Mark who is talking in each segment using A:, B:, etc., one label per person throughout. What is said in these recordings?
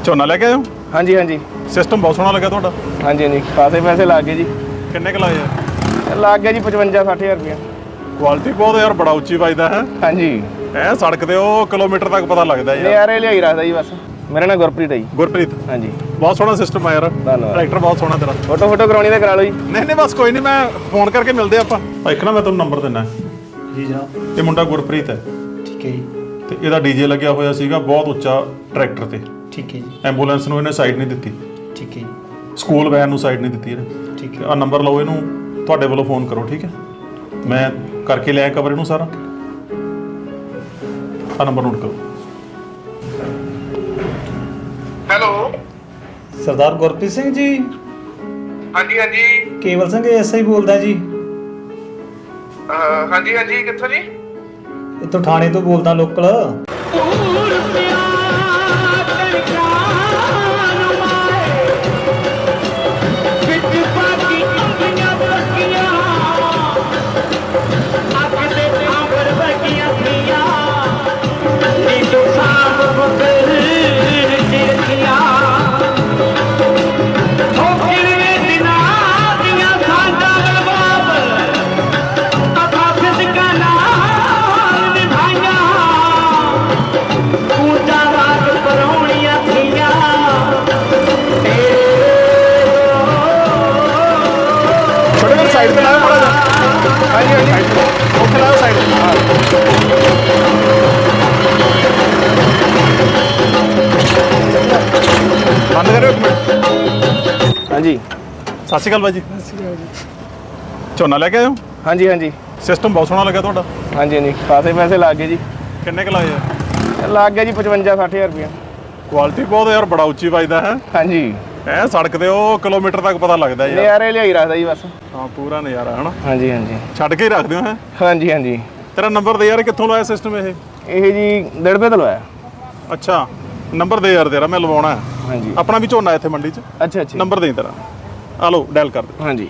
A: ਝੋਨਾ ਲੈ ਕੇ ਆਏ ਹੋ?
B: ਹਾਂਜੀ ਹਾਂਜੀ
A: ਸਿਸਟਮ ਬਹੁਤ ਸੋਹਣਾ ਲੱਗਾ ਤੁਹਾਡਾ।
B: ਹਾਂਜੀ ਹਾਂਜੀ ਖਾਸੇ ਪੈਸੇ ਲੱਗ ਗਏ ਜੀ।
A: ਕਿੰਨੇ ਕੁ ਲਾਏ ਆ?
B: ਲੱਗ ਗਿਆ ਜੀ 55-60 ਹਜ਼ਾਰ ਰੁਪਇਆ।
A: ਕੁਆਲਿਟੀ ਬਹੁਤ ਯਾਰ, ਬੜਾ ਉੱਚੀ ਵੱਜਦਾ ਹੈ।
B: ਹਾਂਜੀ
A: ਐ ਸੜਕ ਤੇ ਉਹ ਕਿਲੋਮੀਟਰ ਤੱਕ ਪਤਾ ਲੱਗਦਾ ਯਾਰ।
B: ਨਜ਼ਾਰੇ ਲਿਆਈ ਰੱਖਦਾ ਜੀ ਬਸ। ਮੇਰਾ ਨਾਮ ਗੁਰਪ੍ਰੀਤ ਹੈ ਜੀ।
A: ਗੁਰਪ੍ਰੀਤ,
B: ਹਾਂਜੀ
A: ਬਹੁਤ ਸੋਹਣਾ ਸਿਸਟਮ ਆ ਯਾਰ।
B: ਧੰਨਵਾਦ।
A: ਟਰੈਕਟਰ ਬਹੁਤ ਸੋਹਣਾ ਤੇਰਾ।
B: ਫੋਟੋ ਕਰਾਉਣੀ ਤਾਂ ਕਰਾ ਲਓ ਜੀ।
A: ਨਹੀਂ ਨਹੀਂ ਬਸ ਕੋਈ ਨਹੀਂ, ਮੈਂ ਫੋਨ ਕਰਕੇ ਮਿਲਦੇ ਆਪਾਂ। ਇੱਕ ਨਾ ਮੈਂ ਤੁਹਾਨੂੰ ਨੰਬਰ ਦਿੰਦਾ
C: ਜੀ ਜਨਾਬ।
A: ਇਹ ਮੁੰਡਾ ਗੁਰਪ੍ਰੀਤ ਹੈ
C: ਠੀਕ ਹੈ ਜੀ।
A: ਤੇ ਇਹਦਾ ਡੀਜੇ ਲੱਗਿਆ ਹੋਇਆ ਸੀਗਾ ਬਹੁਤ ਉੱਚਾ ਟਰੈਕਟਰ ਤੇ।
C: ਠੀਕ ਹੈ ਜੀ।
A: ਐਂਬੂਲੈਂਸ ਨੂੰ ਇਹਨੇ ਸਾਈਡ ਨਹੀਂ ਦਿੱਤੀ,
C: ਠੀਕ ਹੈ ਜੀ।
A: ਸਕੂਲ ਵੈਨ ਨੂੰ ਸਾਈਡ ਨਹੀਂ ਦਿੱਤੀ ਇਹਨੇ।
C: ਠੀਕ ਹੈ।
A: ਆ ਨੰਬਰ ਲਓ, ਇਹਨੂੰ ਤੁਹਾਡੇ ਵੱਲੋਂ ਫੋਨ ਕਰੋ, ਠੀਕ ਹੈ? ਮੈਂ ਕਰਕੇ ਲਿਆ ਕਵਰ ਇਹਨੂੰ ਸਾਰਾ। ਆ ਨੰਬਰ ਨੋਟ ਕਰੋ।
D: ਹੈਲੋ
C: ਸਰਦਾਰ ਗੁਰਪ੍ਰੀਤ ਸਿੰਘ ਜੀ,
D: ਹਾਂਜੀ ਹਾਂਜੀ
C: ਕੇਵਲ ਸਿੰਘ ਐਸਆਈ ਬੋਲਦਾ ਜੀ।
D: ਹਾਂਜੀ ਹਾਂਜੀ ਕਿੱਥੋਂ ਜੀ?
C: ਇੱਥੋਂ ਥਾਣੇ ਤੋਂ ਬੋਲਦਾ, ਲੋਕਲ।
A: ਛੋਟੇ ਵੀਰ ਸਾਈਡ ਤੇ ਲਾਓ ਮਾੜਾ ਜਿਹਾ।
B: ਹਾਂਜੀ ਹਾਂਜੀ
A: ਉੱਥੇ ਲਾਓ ਸਾਈਡ ਤੇ। ਬੰਦ ਕਰਿਓ ਇੱਕ ਮਿੰਟ।
B: ਹਾਂਜੀ
A: ਸਤਿ ਸ਼੍ਰੀ ਅਕਾਲ ਬਾਈ ਜੀ। ਝੋਨਾ ਲੈ ਕੇ ਆਏ ਹੋ?
B: ਹਾਂਜੀ ਹਾਂਜੀ
A: ਸਿਸਟਮ ਬਹੁਤ ਸੋਹਣਾ ਲੱਗਾ ਤੁਹਾਡਾ।
B: ਹਾਂਜੀ ਹਾਂਜੀ ਖਾਸੇ ਪੈਸੇ ਲੱਗ ਗਏ ਜੀ।
A: ਕਿੰਨੇ ਕੁ ਲਾਏ ਆ?
B: ਲੱਗ ਗਿਆ ਜੀ 55-60 ਹਜ਼ਾਰ ਰੁਪਇਆ।
A: ਕੁਆਲਿਟੀ ਬਹੁਤ ਯਾਰ, ਬੜਾ ਉੱਚੀ ਵੱਜਦਾ ਹੈ।
B: ਹਾਂਜੀ
A: ਐ ਸੜਕ ਤੇ ਉਹ ਕਿਲੋਮੀਟਰ ਤੱਕ ਪਤਾ ਲੱਗਦਾ ਯਾਰ।
B: ਨਜ਼ਾਰੇ ਲਿਆਈ ਰੱਖਦਾ ਜੀ ਬਸ।
A: ਹਾਂ ਪੂਰਾ ਨਜ਼ਾਰਾ ਹਨਾ।
B: ਹਾਂਜੀ ਹਾਂਜੀ
A: ਛੱਡ ਕੇ ਹੀ ਰੱਖਦੇ ਹੋ ਹੈ।
B: ਹਾਂਜੀ ਹਾਂਜੀ
A: ਤੇਰਾ ਨੰਬਰ ਦੇ ਯਾਰ, ਕਿੱਥੋਂ ਲਾਇਆ ਸਿਸਟਮ ਇਹ?
B: ਇਹ ਜੀ ਦੜਬੇ ਤੋਂ ਲਵਾਇਆ।
A: ਅੱਛਾ ਨੰਬਰ ਦੇ ਯਾਰ ਤੇਰਾ, ਮੈਂ ਲਵਾਉਣਾ ਹੈ।
B: ਹਾਂਜੀ
A: ਆਪਣਾ ਵੀ ਝੋਨਾ ਇੱਥੇ ਮੰਡੀ 'ਚ।
B: ਅੱਛਾ ਅੱਛਾ
A: ਨੰਬਰ ਦੇ ਤੇਰਾ, ਆ ਲਓ ਡਾਇਲ ਕਰ ਦੇ।
B: ਹਾਂਜੀ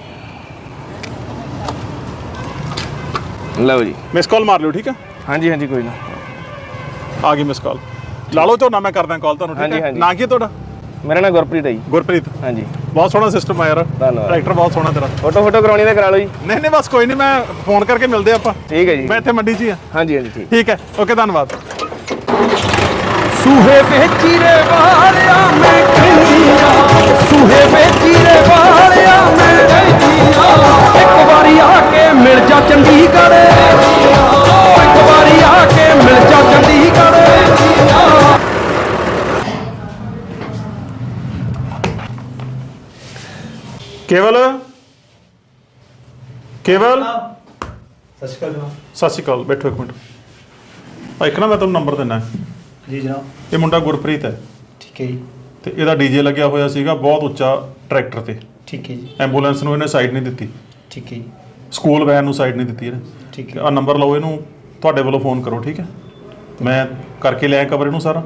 B: ਲਓ ਜੀ।
A: ਮਿਸ ਕਾਲ ਮਾਰ ਲਿਓ, ਠੀਕ ਹੈ?
B: ਹਾਂਜੀ ਹਾਂਜੀ ਕੋਈ ਨਾ।
A: ਆ ਗਈ ਮਿਸ ਕਾਲ। ਲਾ ਲਓ ਝੋਨਾ, ਮੈਂ ਕਰਦਾ ਕਾਲ ਤੁਹਾਨੂੰ, ਠੀਕ
B: ਹਾਂਜੀ,
A: ਹੈ?
B: ਹਾਂਜੀ।
A: ਨਾਂ ਕੀ ਹੈ ਤੁਹਾਡਾ?
B: ਮੇਰਾ ਨਾਮ ਗੁਰਪ੍ਰੀਤ ਹੈ ਜੀ।
A: ਗੁਰਪ੍ਰੀਤ,
B: ਹਾਂਜੀ
A: ਬਹੁਤ ਸੋਹਣਾ ਸਿਸਟਮ ਆ ਯਾਰ।
B: ਧੰਨਵਾਦ।
A: ਟਰੈਕਟਰ ਬਹੁਤ ਸੋਹਣਾ ਤੇਰਾ।
B: ਫੋਟੋ ਕਰਾਉਣੀ ਤਾਂ ਕਰਾ ਲਓ ਜੀ।
A: ਨਹੀਂ ਨਹੀਂ ਬਸ ਕੋਈ ਨਹੀਂ, ਮੈਂ ਫੋਨ ਕਰਕੇ ਮਿਲਦੇ ਆਪਾਂ।
B: ਠੀਕ ਹੈ ਜੀ।
A: ਮੈਂ ਇੱਥੇ ਮੰਡੀ 'ਚ ਹੀ ਆ।
B: ਹਾਂਜੀ ਹਾਂਜੀ ਠੀਕ।
A: ਠੀਕ ਹੈ, ਓਕੇ, ਧੰਨਵਾਦ।
E: ਸੂਹੇ ਵੇਚੀਰੇ ਵਾਲਿਆ ਮੈਂ ਕਹਿੰਦੀਆਂ, ਸੂਹੇ ਵੇਚੀਰੇ ਵਾਲਿਆ ਮੈਂ ਕਹਿੰਦੀਆਂ, ਇੱਕ ਵਾਰੀ ਆ ਕੇ ਮਿਲ ਜਾ ਚੰਡੀਗੜ੍ਹ, ਇੱਕ ਵਾਰੀ ਆ ਕੇ ਮਿਲ ਜਾ ਚੰਡੀਗੜ੍ਹ।
A: ਕੇਵਲ, ਕੇਵਲ,
C: ਸਤਿ ਸ਼੍ਰੀ ਅਕਾਲ ਜਨਾਬ।
A: ਸਤਿ ਸ਼੍ਰੀ ਅਕਾਲ। ਬੈਠੋ ਇੱਕ ਮਿੰਟ। ਆ ਇੱਕ ਨਾ ਮੈਂ ਤੁਹਾਨੂੰ ਨੰਬਰ ਦਿੰਦਾ।
C: ਜੀ ਜਨਾਬ।
A: ਇਹ ਮੁੰਡਾ ਗੁਰਪ੍ਰੀਤ ਹੈ
C: ਠੀਕ ਹੈ ਜੀ।
A: ਤੇ ਇਹਦਾ ਡੀਜੇ ਲੱਗਿਆ ਹੋਇਆ ਸੀਗਾ ਬਹੁਤ ਉੱਚਾ ਟਰੈਕਟਰ ਤੇ।
C: ਠੀਕ ਹੈ ਜੀ।
A: ਐਂਬੂਲੈਂਸ ਨੂੰ ਇਹਨੇ ਸਾਈਡ ਨਹੀਂ ਦਿੱਤੀ,
C: ਠੀਕ ਹੈ ਜੀ।
A: ਸਕੂਲ ਵੈਨ ਨੂੰ ਸਾਈਡ ਨਹੀਂ ਦਿੱਤੀ ਇਹਨੇ।
C: ਠੀਕ ਹੈ।
A: ਆ ਨੰਬਰ ਲਓ, ਇਹਨੂੰ ਤੁਹਾਡੇ ਵੱਲੋਂ ਫੋਨ ਕਰੋ, ਠੀਕ ਹੈ? ਮੈਂ ਕਰਕੇ ਲਿਆ ਕਵਰ ਇਹਨੂੰ ਸਾਰਾ।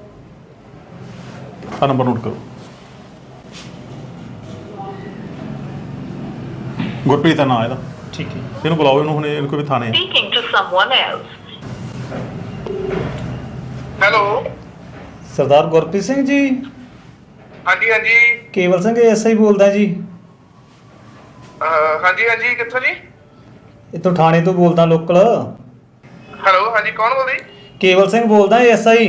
A: ਆ ਨੰਬਰ ਨੋਟ ਕਰੋ। ਗੁਰਪ੍ਰੀਤ ਦਾ ਨਾਂ ਇਹਦਾ।
C: ਠੀਕ ਹੈ।
A: ਇਹਨੂੰ ਬੁਲਾਓ, ਇਹਨੂੰ ਹੁਣ ਇਹਨੂੰ ਕੋਈ ਥਾਣੇ।
F: Speaking to someone else.
D: Hello
C: Sardar Gurpreet Singh ji,
D: ਹਾਂਜੀ ਹਾਂਜੀ
C: ਕੇਵਲ ਸਿੰਘ ਐਸਆਈ ਬੋਲਦਾ ਜੀ।
D: ਹਾਂਜੀ ਹਾਂਜੀ ਕਿੱਥੋਂ ਜੀ?
C: ਇੱਥੋਂ ਥਾਣੇ ਤੋਂ ਬੋਲਦਾ, ਲੋਕਲ।
D: ਹੈਲੋ ਹਾਂਜੀ ਕੌਣ ਬੋਲਦਾ ਜੀ?
C: ਕੇਵਲ ਸਿੰਘ ਬੋਲਦਾ, ਐਸਆਈ।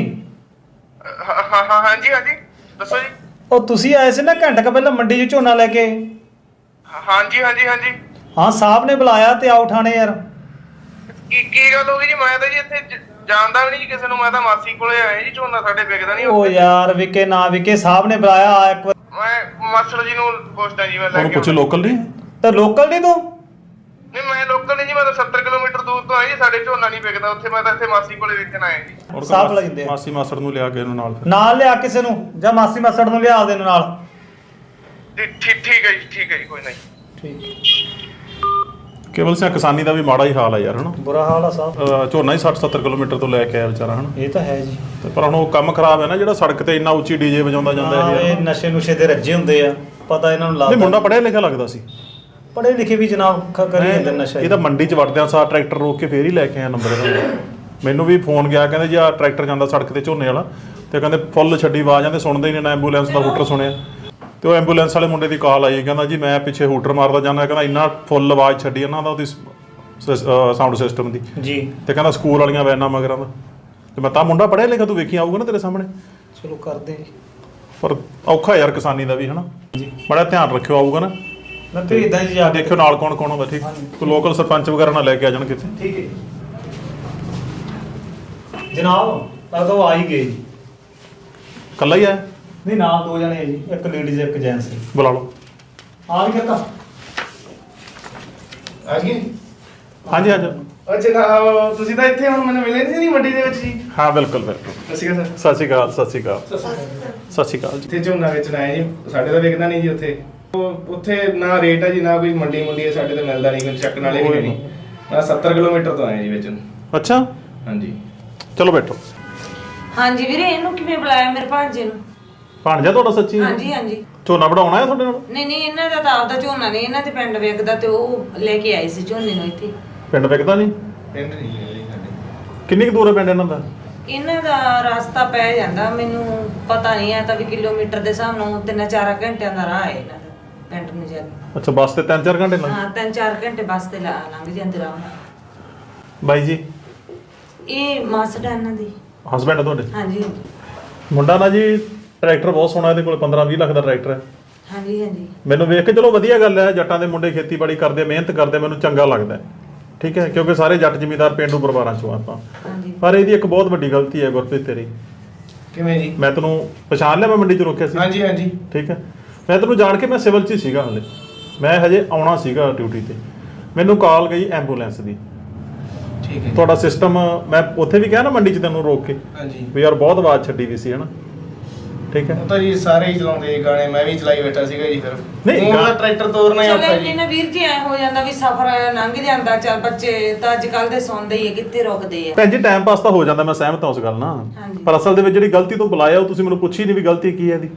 D: ਹਾਂਜੀ ਹਾਂਜੀ ਦੱਸੋ ਜੀ।
C: ਉਹ ਤੁਸੀਂ ਆਏ ਸੀ ਨਾ ਘੰਟਾ ਕੁ ਪਹਿਲਾਂ ਮੰਡੀ 'ਚ ਝੋਨਾ ਲੈ ਕੇ।
D: ਹਾਂਜੀ ਹਾਂਜੀ ਹਾਂਜੀ
C: ਹਾਂ ਸਾਹਿਬ ਨੇ ਬੁਲਾਇਆ ਤੇ ਆਓ ਥਾਣੇ ਯਾਰ।
D: ਕੀ ਗੱਲ ਹੋ ਗਈ ਜੀ? ਮੈਂ ਤਾਂ ਜੀ ਇੱਥੇ ਜਾਣਦਾ ਵੀ ਨਹੀਂ ਜੀ ਕਿਸੇ ਨੂੰ। ਮੈਂ ਤਾਂ ਮਾਸੀ ਕੋਲੇ ਆਇਆ ਜੀ। ਝੋਨਾ ਸਾਡੇ ਵਿਕਦਾ ਨਹੀਂ।
C: ਉਹ ਯਾਰ ਵਿਕੇ ਨਾ ਵਿਕੇ, ਸਾਹਿਬ ਨੇ ਬੁਲਾਇਆ, ਆ ਇੱਕ ਵਾਰ।
D: ਮੈਂ ਮਾਸਟਰ ਜੀ ਨੂੰ ਪੁੱਛਦਾ ਜੀ। ਮੈਂ ਲੈ
A: ਉਹਨੂੰ
D: ਕੇ
A: ਪੁੱਛੋ, ਲੋਕਲ ਨਹੀਂ?
C: ਤੇ ਲੋਕਲ ਨਹੀਂ ਤੂੰ?
D: ਨਹੀਂ ਮੈਂ ਲੋਕਲ ਨਹੀਂ ਜੀ। ਮੈਂ ਤਾਂ 70 ਕਿਲੋਮੀਟਰ ਦੂਰ ਤੋਂ ਆਇਆ ਜੀ। ਸਾਡੇ ਝੋਨਾ ਨਹੀਂ ਵਿਕਦਾ ਉੱਥੇ। ਮੈਂ ਤਾਂ ਇੱਥੇ ਮਾਸੀ ਕੋਲੇ ਵੇਚਣ ਆਇਆ ਜੀ।
A: ਔਰ
C: ਸਾਹਬ ਲੱਗਦੇ ਆ।
A: ਮਾਸੀ ਮਾਸੜ ਨੂੰ ਲਿਆ ਕੇ ਇਹਨੂੰ ਨਾਲ ਫਿਰ।
C: ਨਾਲ ਲਿਆ ਕਿਸੇ ਨੂੰ, ਜਾਂ ਮਾਸੀ ਮਾਸੜ ਨੂੰ ਲਿਆ ਦੇ ਨਾਲ।
D: ਠੀਕ ਹੈ ਜੀ, ਠੀਕ ਹੈ ਜੀ, ਕੋਈ ਨਹੀਂ।
C: ਠੀਕ।
A: ਕੇਵਲ ਸਿੰਘ, ਕਿਸਾਨੀ ਦਾ ਵੀ ਮਾੜਾ ਹੀ ਹਾਲ ਆ ਯਾਰ, ਹਨਾ?
C: ਬੁਰਾ ਹਾਲ ਆ ਸਾਹਿਬ।
A: ਝੋਨਾ ਹੀ 60-70 ਕਿਲੋਮੀਟਰ ਤੋਂ ਲੈ ਕੇ ਆਇਆ ਵਿਚਾਰਾ, ਹਨਾ?
C: ਇਹ ਤਾਂ ਹੈ ਜੀ।
A: ਤੇ ਪਰ ਹੁਣ ਉਹ ਕੰਮ ਖਰਾਬ ਹੈ ਨਾ, ਜਿਹੜਾ ਸੜਕ ਤੇ ਇੰਨਾ ਉੱਚੀ ਡੀਜੇ ਵਜਾਉਂਦਾ ਜਾਂਦਾ
C: ਹਾਂ,
A: ਇਹ
C: ਇਹ
A: ਯਾਰ।
C: ਨਸ਼ੇ ਨੁਸ਼ੇ ਦੇ ਰੱਜੇ ਹੁੰਦੇ ਆ, ਪਤਾ ਇਹਨਾਂ ਨੂੰ
A: ਨਹੀਂ,
C: ਲੱਗਦਾ।
A: ਮੁੰਡਾ ਪੜ੍ਹਿਆ ਲਿਖਿਆ ਲੱਗਦਾ ਸੀ।
C: ਪੜ੍ਹੇ ਲਿਖੇ ਵੀ ਜਨਾਬ ਕਰੀ ਜਾਂਦੇ ਨਸ਼ਾ।
A: ਇਹ ਤਾਂ ਮੰਡੀ 'ਚ ਵੜਦਿਆਂ ਸਾਰ ਟਰੈਕਟਰ ਰੋਕ ਕੇ ਫੇਰ ਹੀ ਲੈ ਕੇ ਆਇਆ ਨੰਬਰ ਇਹਦਾ। ਮੈਨੂੰ ਵੀ ਫੋਨ ਗਿਆ, ਕਹਿੰਦੇ ਜੀ ਆ ਟਰੈਕਟਰ ਜਾਂਦਾ ਸੜਕ ਤੇ ਝੋਨੇ ਵਾਲਾ, ਤੇ ਕਹਿੰਦੇ ਫੁੱਲ ਛੱਡੀ ਆਵਾਜ਼ ਆਂਦੇ ਸੁਣਦੇ ਹੀ ਨਹੀਂ ਨਾ ਐਂਬੂਲੈਂਸ ਦਾ ਹੂਟਰ ਸੁਣਿਆ। ਤੇ ਉਹ ਐਂਬੂਲੈਂਸ ਵਾਲੇ ਮੁੰਡੇ ਦੀ ਕਾਲ ਆਈ, ਕਹਿੰਦਾ ਜੀ ਮੈਂ ਪਿੱਛੇ ਹੂਟਰ ਮਾਰਦਾ ਜਾਂਦਾ, ਕਹਿੰਦਾ ਇੰਨਾ ਫੁੱਲ ਆਵਾਜ਼ ਛੱਡੀ ਉਹਨਾਂ ਦਾ ਉਹਦੀ ਸਾਊਂਡ ਸਿਸਟਮ ਦੀ
C: ਜੀ।
A: ਤੇ ਕਹਿੰਦਾ ਸਕੂਲ ਵਾਲੀਆਂ ਵੈਨਾਂ ਮਗਰਾਂ ਦਾ। ਤੇ ਮੈਂ ਤਾਂ ਮੁੰਡਾ ਪੜ੍ਹਿਆ ਲਿਖਿਆ, ਤੂੰ ਵੇਖੀ ਆਊਗਾ ਨਾ ਤੇਰੇ ਸਾਹਮਣੇ।
C: ਚਲੋ ਕਰਦੇ ਜੀ।
A: ਪਰ ਔਖਾ ਯਾਰ ਕਿਸਾਨੀ ਦਾ ਵੀ ਹਨਾ, ਬੜਾ ਧਿਆਨ ਰੱਖਿਓ ਆਊਗਾ ਨਾ।
C: ਮੈਂ ਭੇਜਦਾ ਜੀ ਜਾ ਕੇ।
A: ਦੇਖਿਓ ਨਾਲ ਕੌਣ ਕੌਣ ਹੁੰਦਾ, ਠੀਕ। ਕੋਈ ਲੋਕਲ ਸਰਪੰਚ ਵਗੈਰਾ ਨਾਲ ਲੈ ਕੇ ਆ ਜਾਣ ਕਿਤੇ।
C: ਠੀਕ ਹੈ ਜਨਾਬ, ਲੱਗਦਾ ਉਹ ਆ ਹੀ ਗਏ ਜੀ।
A: ਇਕੱਲਾ ਹੀ ਆਇਆ?
C: ਨਹੀਂ, ਨਾਲ 2 ਜਣੇ ਹੈ ਜੀ, ਇੱਕ ਲੇਡੀਜ਼ ਇੱਕ ਜੈਂਟਸ।
A: ਬੁਲਾ ਲਓ।
C: ਆ ਵੀ ਕਰਤਾ।
B: ਆ ਗਏ
A: ਹਾਂਜੀ ਹਾਂਜੀ
B: ਜਨਾਬ, ਤੁਸੀਂ ਤਾਂ ਇੱਥੇ ਹੁਣ ਮੈਨੂੰ ਮਿਲੇ ਨਹੀਂ ਮੰਡੀ ਦੇ ਵਿੱਚ ਜੀ।
A: ਹਾਂ ਬਿਲਕੁਲ ਬਿਲਕੁਲ।
B: ਸਤਿ ਸ਼੍ਰੀ ਅਕਾਲ ਸਰ।
A: ਸਤਿ ਸ਼੍ਰੀ ਅਕਾਲ ਸਤਿ ਸ਼੍ਰੀ ਅਕਾਲ ਸਤਿ ਸ਼੍ਰੀ ਅਕਾਲ ਜੀ।
B: ਇੱਥੇ ਝੋਨਾ ਵੇਚਣ ਆਏ ਜੀ, ਸਾਡੇ ਤਾਂ ਵਿਕਦਾ ਨਹੀਂ ਜੀ ਉੱਥੇ। ਉੱਥੇ ਨਾ ਰੇਟ ਹੈ ਜੀ, ਨਾ ਕੋਈ ਮੰਡੀ ਹੈ, ਸਾਡੇ ਤਾਂ ਮਿਲਦਾ ਨਹੀਂ, ਕੋਈ ਚੱਕਣ ਵਾਲੇ ਵੀ ਨਹੀਂ। ਮੈਂ 70 ਕਿਲੋਮੀਟਰ ਤੋਂ ਆਇਆ ਜੀ ਵੇਚਣ।
A: ਅੱਛਾ,
B: ਹਾਂਜੀ
A: ਚਲੋ ਬੈਠੋ।
F: ਹਾਂਜੀ ਵੀਰੇ, ਇਹਨੂੰ ਕਿਵੇਂ ਬੁਲਾਇਆ ਮੇਰੇ ਭਾਂਜੇ ਨੂੰ?
A: ਭਾਣਜਾ ਤੁਹਾਡਾ ਸੱਚੀ?
F: ਹਾਂਜੀ ਹਾਂਜੀ।
A: ਝੋਨਾ ਵਢਾਉਣਾ ਹੈ ਤੁਹਾਡੇ ਨਾਲ?
F: ਨਹੀਂ ਨਹੀਂ, ਇਹਨਾਂ ਦਾ ਤਾਂ ਆਪਦਾ ਝੋਨਾ ਨਹੀਂ, ਇਹਨਾਂ ਦੇ ਪਿੰਡ ਵੇਖਦਾ ਤੇ ਉਹ ਲੈ ਕੇ ਆਏ ਸੀ ਝੋਨੇ ਨੂੰ ਇੱਥੇ।
A: ਪਿੰਡ ਵਿਕਦਾ ਨਹੀਂ?
B: ਪਿੰਡ ਨਹੀਂ ਹੈ ਜੀ ਸਾਡੇ।
A: ਕਿੰਨੀ ਕੁ ਦੂਰ ਹੈ ਪਿੰਡ ਇਹਨਾਂ ਦਾ?
F: ਇਹਨਾਂ ਦਾ ਰਸਤਾ ਪੈ ਜਾਂਦਾ, ਮੈਨੂੰ ਪਤਾ ਨਹੀਂ ਹੈ ਤਾਂ ਵੀ ਕਿਲੋਮੀਟਰ ਦੇ ਹਿਸਾਬ ਨਾਲ 3-4 ਘੰਟਿਆਂ ਦਾ ਰਾਹ ਹੈ ਇਹਨਾਂ ਦਾ ਪਿੰਡ ਨੂੰ ਜਾ ਕੇ।
A: ਅੱਛਾ, ਬੱਸ ਤੇ 3-4 ਘੰਟੇ ਲੱਗ?
F: ਹਾਂ, 3-4 ਘੰਟੇ ਬੱਸ ਤੇ ਲੰਘ ਜਾਂਦੇ ਰਾਹ ਨਾਲ।
A: ਬਾਈ ਜੀ?
F: ਇਹ ਮਾਸੜਾ ਇਹਨਾਂ ਦੀ।
A: ਹਸਬੈਂਡ ਤੁਹਾਡੇ?
F: ਹਾਂਜੀ
A: ਮੁੰਡਾ ਨਾ ਜੀ ਟਰੈਕਟਰ ਬਹੁਤ ਸੋਹਣਾ, ਇਹਦੇ ਕੋਲ 15-20 ਲੱਖ ਦਾ ਟਰੈਕਟਰ ਹੈ।
F: ਹਾਂਜੀ ਹਾਂਜੀ।
A: ਮੈਨੂੰ ਵੇਖ ਕੇ ਚਲੋ ਵਧੀਆ ਗੱਲ ਹੈ, ਜੱਟਾਂ ਦੇ ਮੁੰਡੇ ਖੇਤੀਬਾੜੀ ਕਰਦੇ, ਮਿਹਨਤ ਕਰਦੇ, ਮੈਨੂੰ ਚੰਗਾ ਲੱਗਦਾ ਹੈ, ਠੀਕ ਹੈ, ਕਿਉਂਕਿ ਸਾਰੇ ਜੱਟ ਜ਼ਿਮੀਂਦਾਰ ਪਿੰਡੂ ਪਰਿਵਾਰਾਂ ਚੋਂ ਆਪਾਂ।
F: ਹਾਂਜੀ।
A: ਪਰ ਇਹਦੀ ਇੱਕ ਬਹੁਤ ਵੱਡੀ ਗਲਤੀ ਹੈ ਗੁਰਪ੍ਰੀਤ ਤੇਰੀ।
B: ਕਿਵੇਂ ਜੀ?
A: ਮੈਂ ਤੈਨੂੰ ਪਛਾਣ ਲਿਆ, ਮੈਂ ਮੰਡੀ 'ਚ ਰੋਕਿਆ ਸੀ।
B: ਹਾਂਜੀ ਹਾਂਜੀ।
A: ਠੀਕ ਹੈ, ਮੈਂ ਤੈਨੂੰ ਜਾਣ ਕੇ, ਮੈਂ ਸਿਵਲ 'ਚ ਹੀ ਸੀਗਾ ਹਲੇ, ਮੈਂ ਹਜੇ ਆਉਣਾ ਸੀਗਾ ਡਿਊਟੀ ਤੇ। ਮੈਨੂੰ ਕਾਲ ਗਈ ਐਂਬੂਲੈਂਸ ਦੀ।
B: ਠੀਕ ਹੈ।
A: ਤੁਹਾਡਾ ਸਿਸਟਮ ਮੈਂ ਉੱਥੇ ਵੀ ਕਿਹਾ ਨਾ ਮੰਡੀ 'ਚ ਤੈਨੂੰ ਰੋਕ ਕੇ
B: ਹਾਂਜੀ।
A: ਵੀ ਯਾਰ ਬਹੁਤ ਆਵਾਜ਼ ਛੱਡੀ ਵੀ ਸੀ ਹਨਾ, ਠੀਕ ਹੈ।
B: ਉਹ ਤਾਂ ਜੀ ਸਾਰੇ ਹੀ ਚਲਾਉਂਦੇ ਜੀ ਗਾਣੇ, ਮੈਂ ਵੀ ਚਲਾਈ ਬੈਠਾ ਸੀਗਾ ਜੀ। ਫਿਰ
A: ਨਹੀਂ,
B: ਉਹ ਤਾਂ ਟਰੈਕਟਰ ਤੋਰਨਾ ਹੀ
F: ਚਲੋ
B: ਔਖਾ ਜੀ।
F: ਇਹਨਾਂ ਵੀਰ ਜੀ ਐ ਹੋ ਜਾਂਦਾ ਵੀ ਸਫ਼ਰ ਲੰਘ ਜਾਂਦਾ, ਚੱਲ ਬੱਚੇ ਤਾਂ ਅੱਜ ਕੱਲ ਦੇ ਸੌਂਦੇ ਹੀ ਆ, ਕਿੱਥੇ ਰੁਕਦੇ ਆ।
A: ਭੈਣ ਜੀ ਟਾਈਮ ਪਾਸ ਤਾਂ ਹੋ ਜਾਂਦਾ, ਮੈਂ ਸਹਿਮਤ ਹਾਂ ਉਸ ਗੱਲ ਨਾਲ,
F: ਹਾਂਜੀ।
A: ਪਰ ਅਸਲ ਦੇ ਵਿੱਚ ਜਿਹੜੀ ਗਲਤੀ ਤੋਂ ਬੁਲਾਇਆ ਉਹ ਤੁਸੀਂ ਮੈਨੂੰ ਪੁੱਛੀ ਨਹੀਂ ਵੀ ਗਲਤੀ ਕੀ ਹੈ ਇਹਦੀ।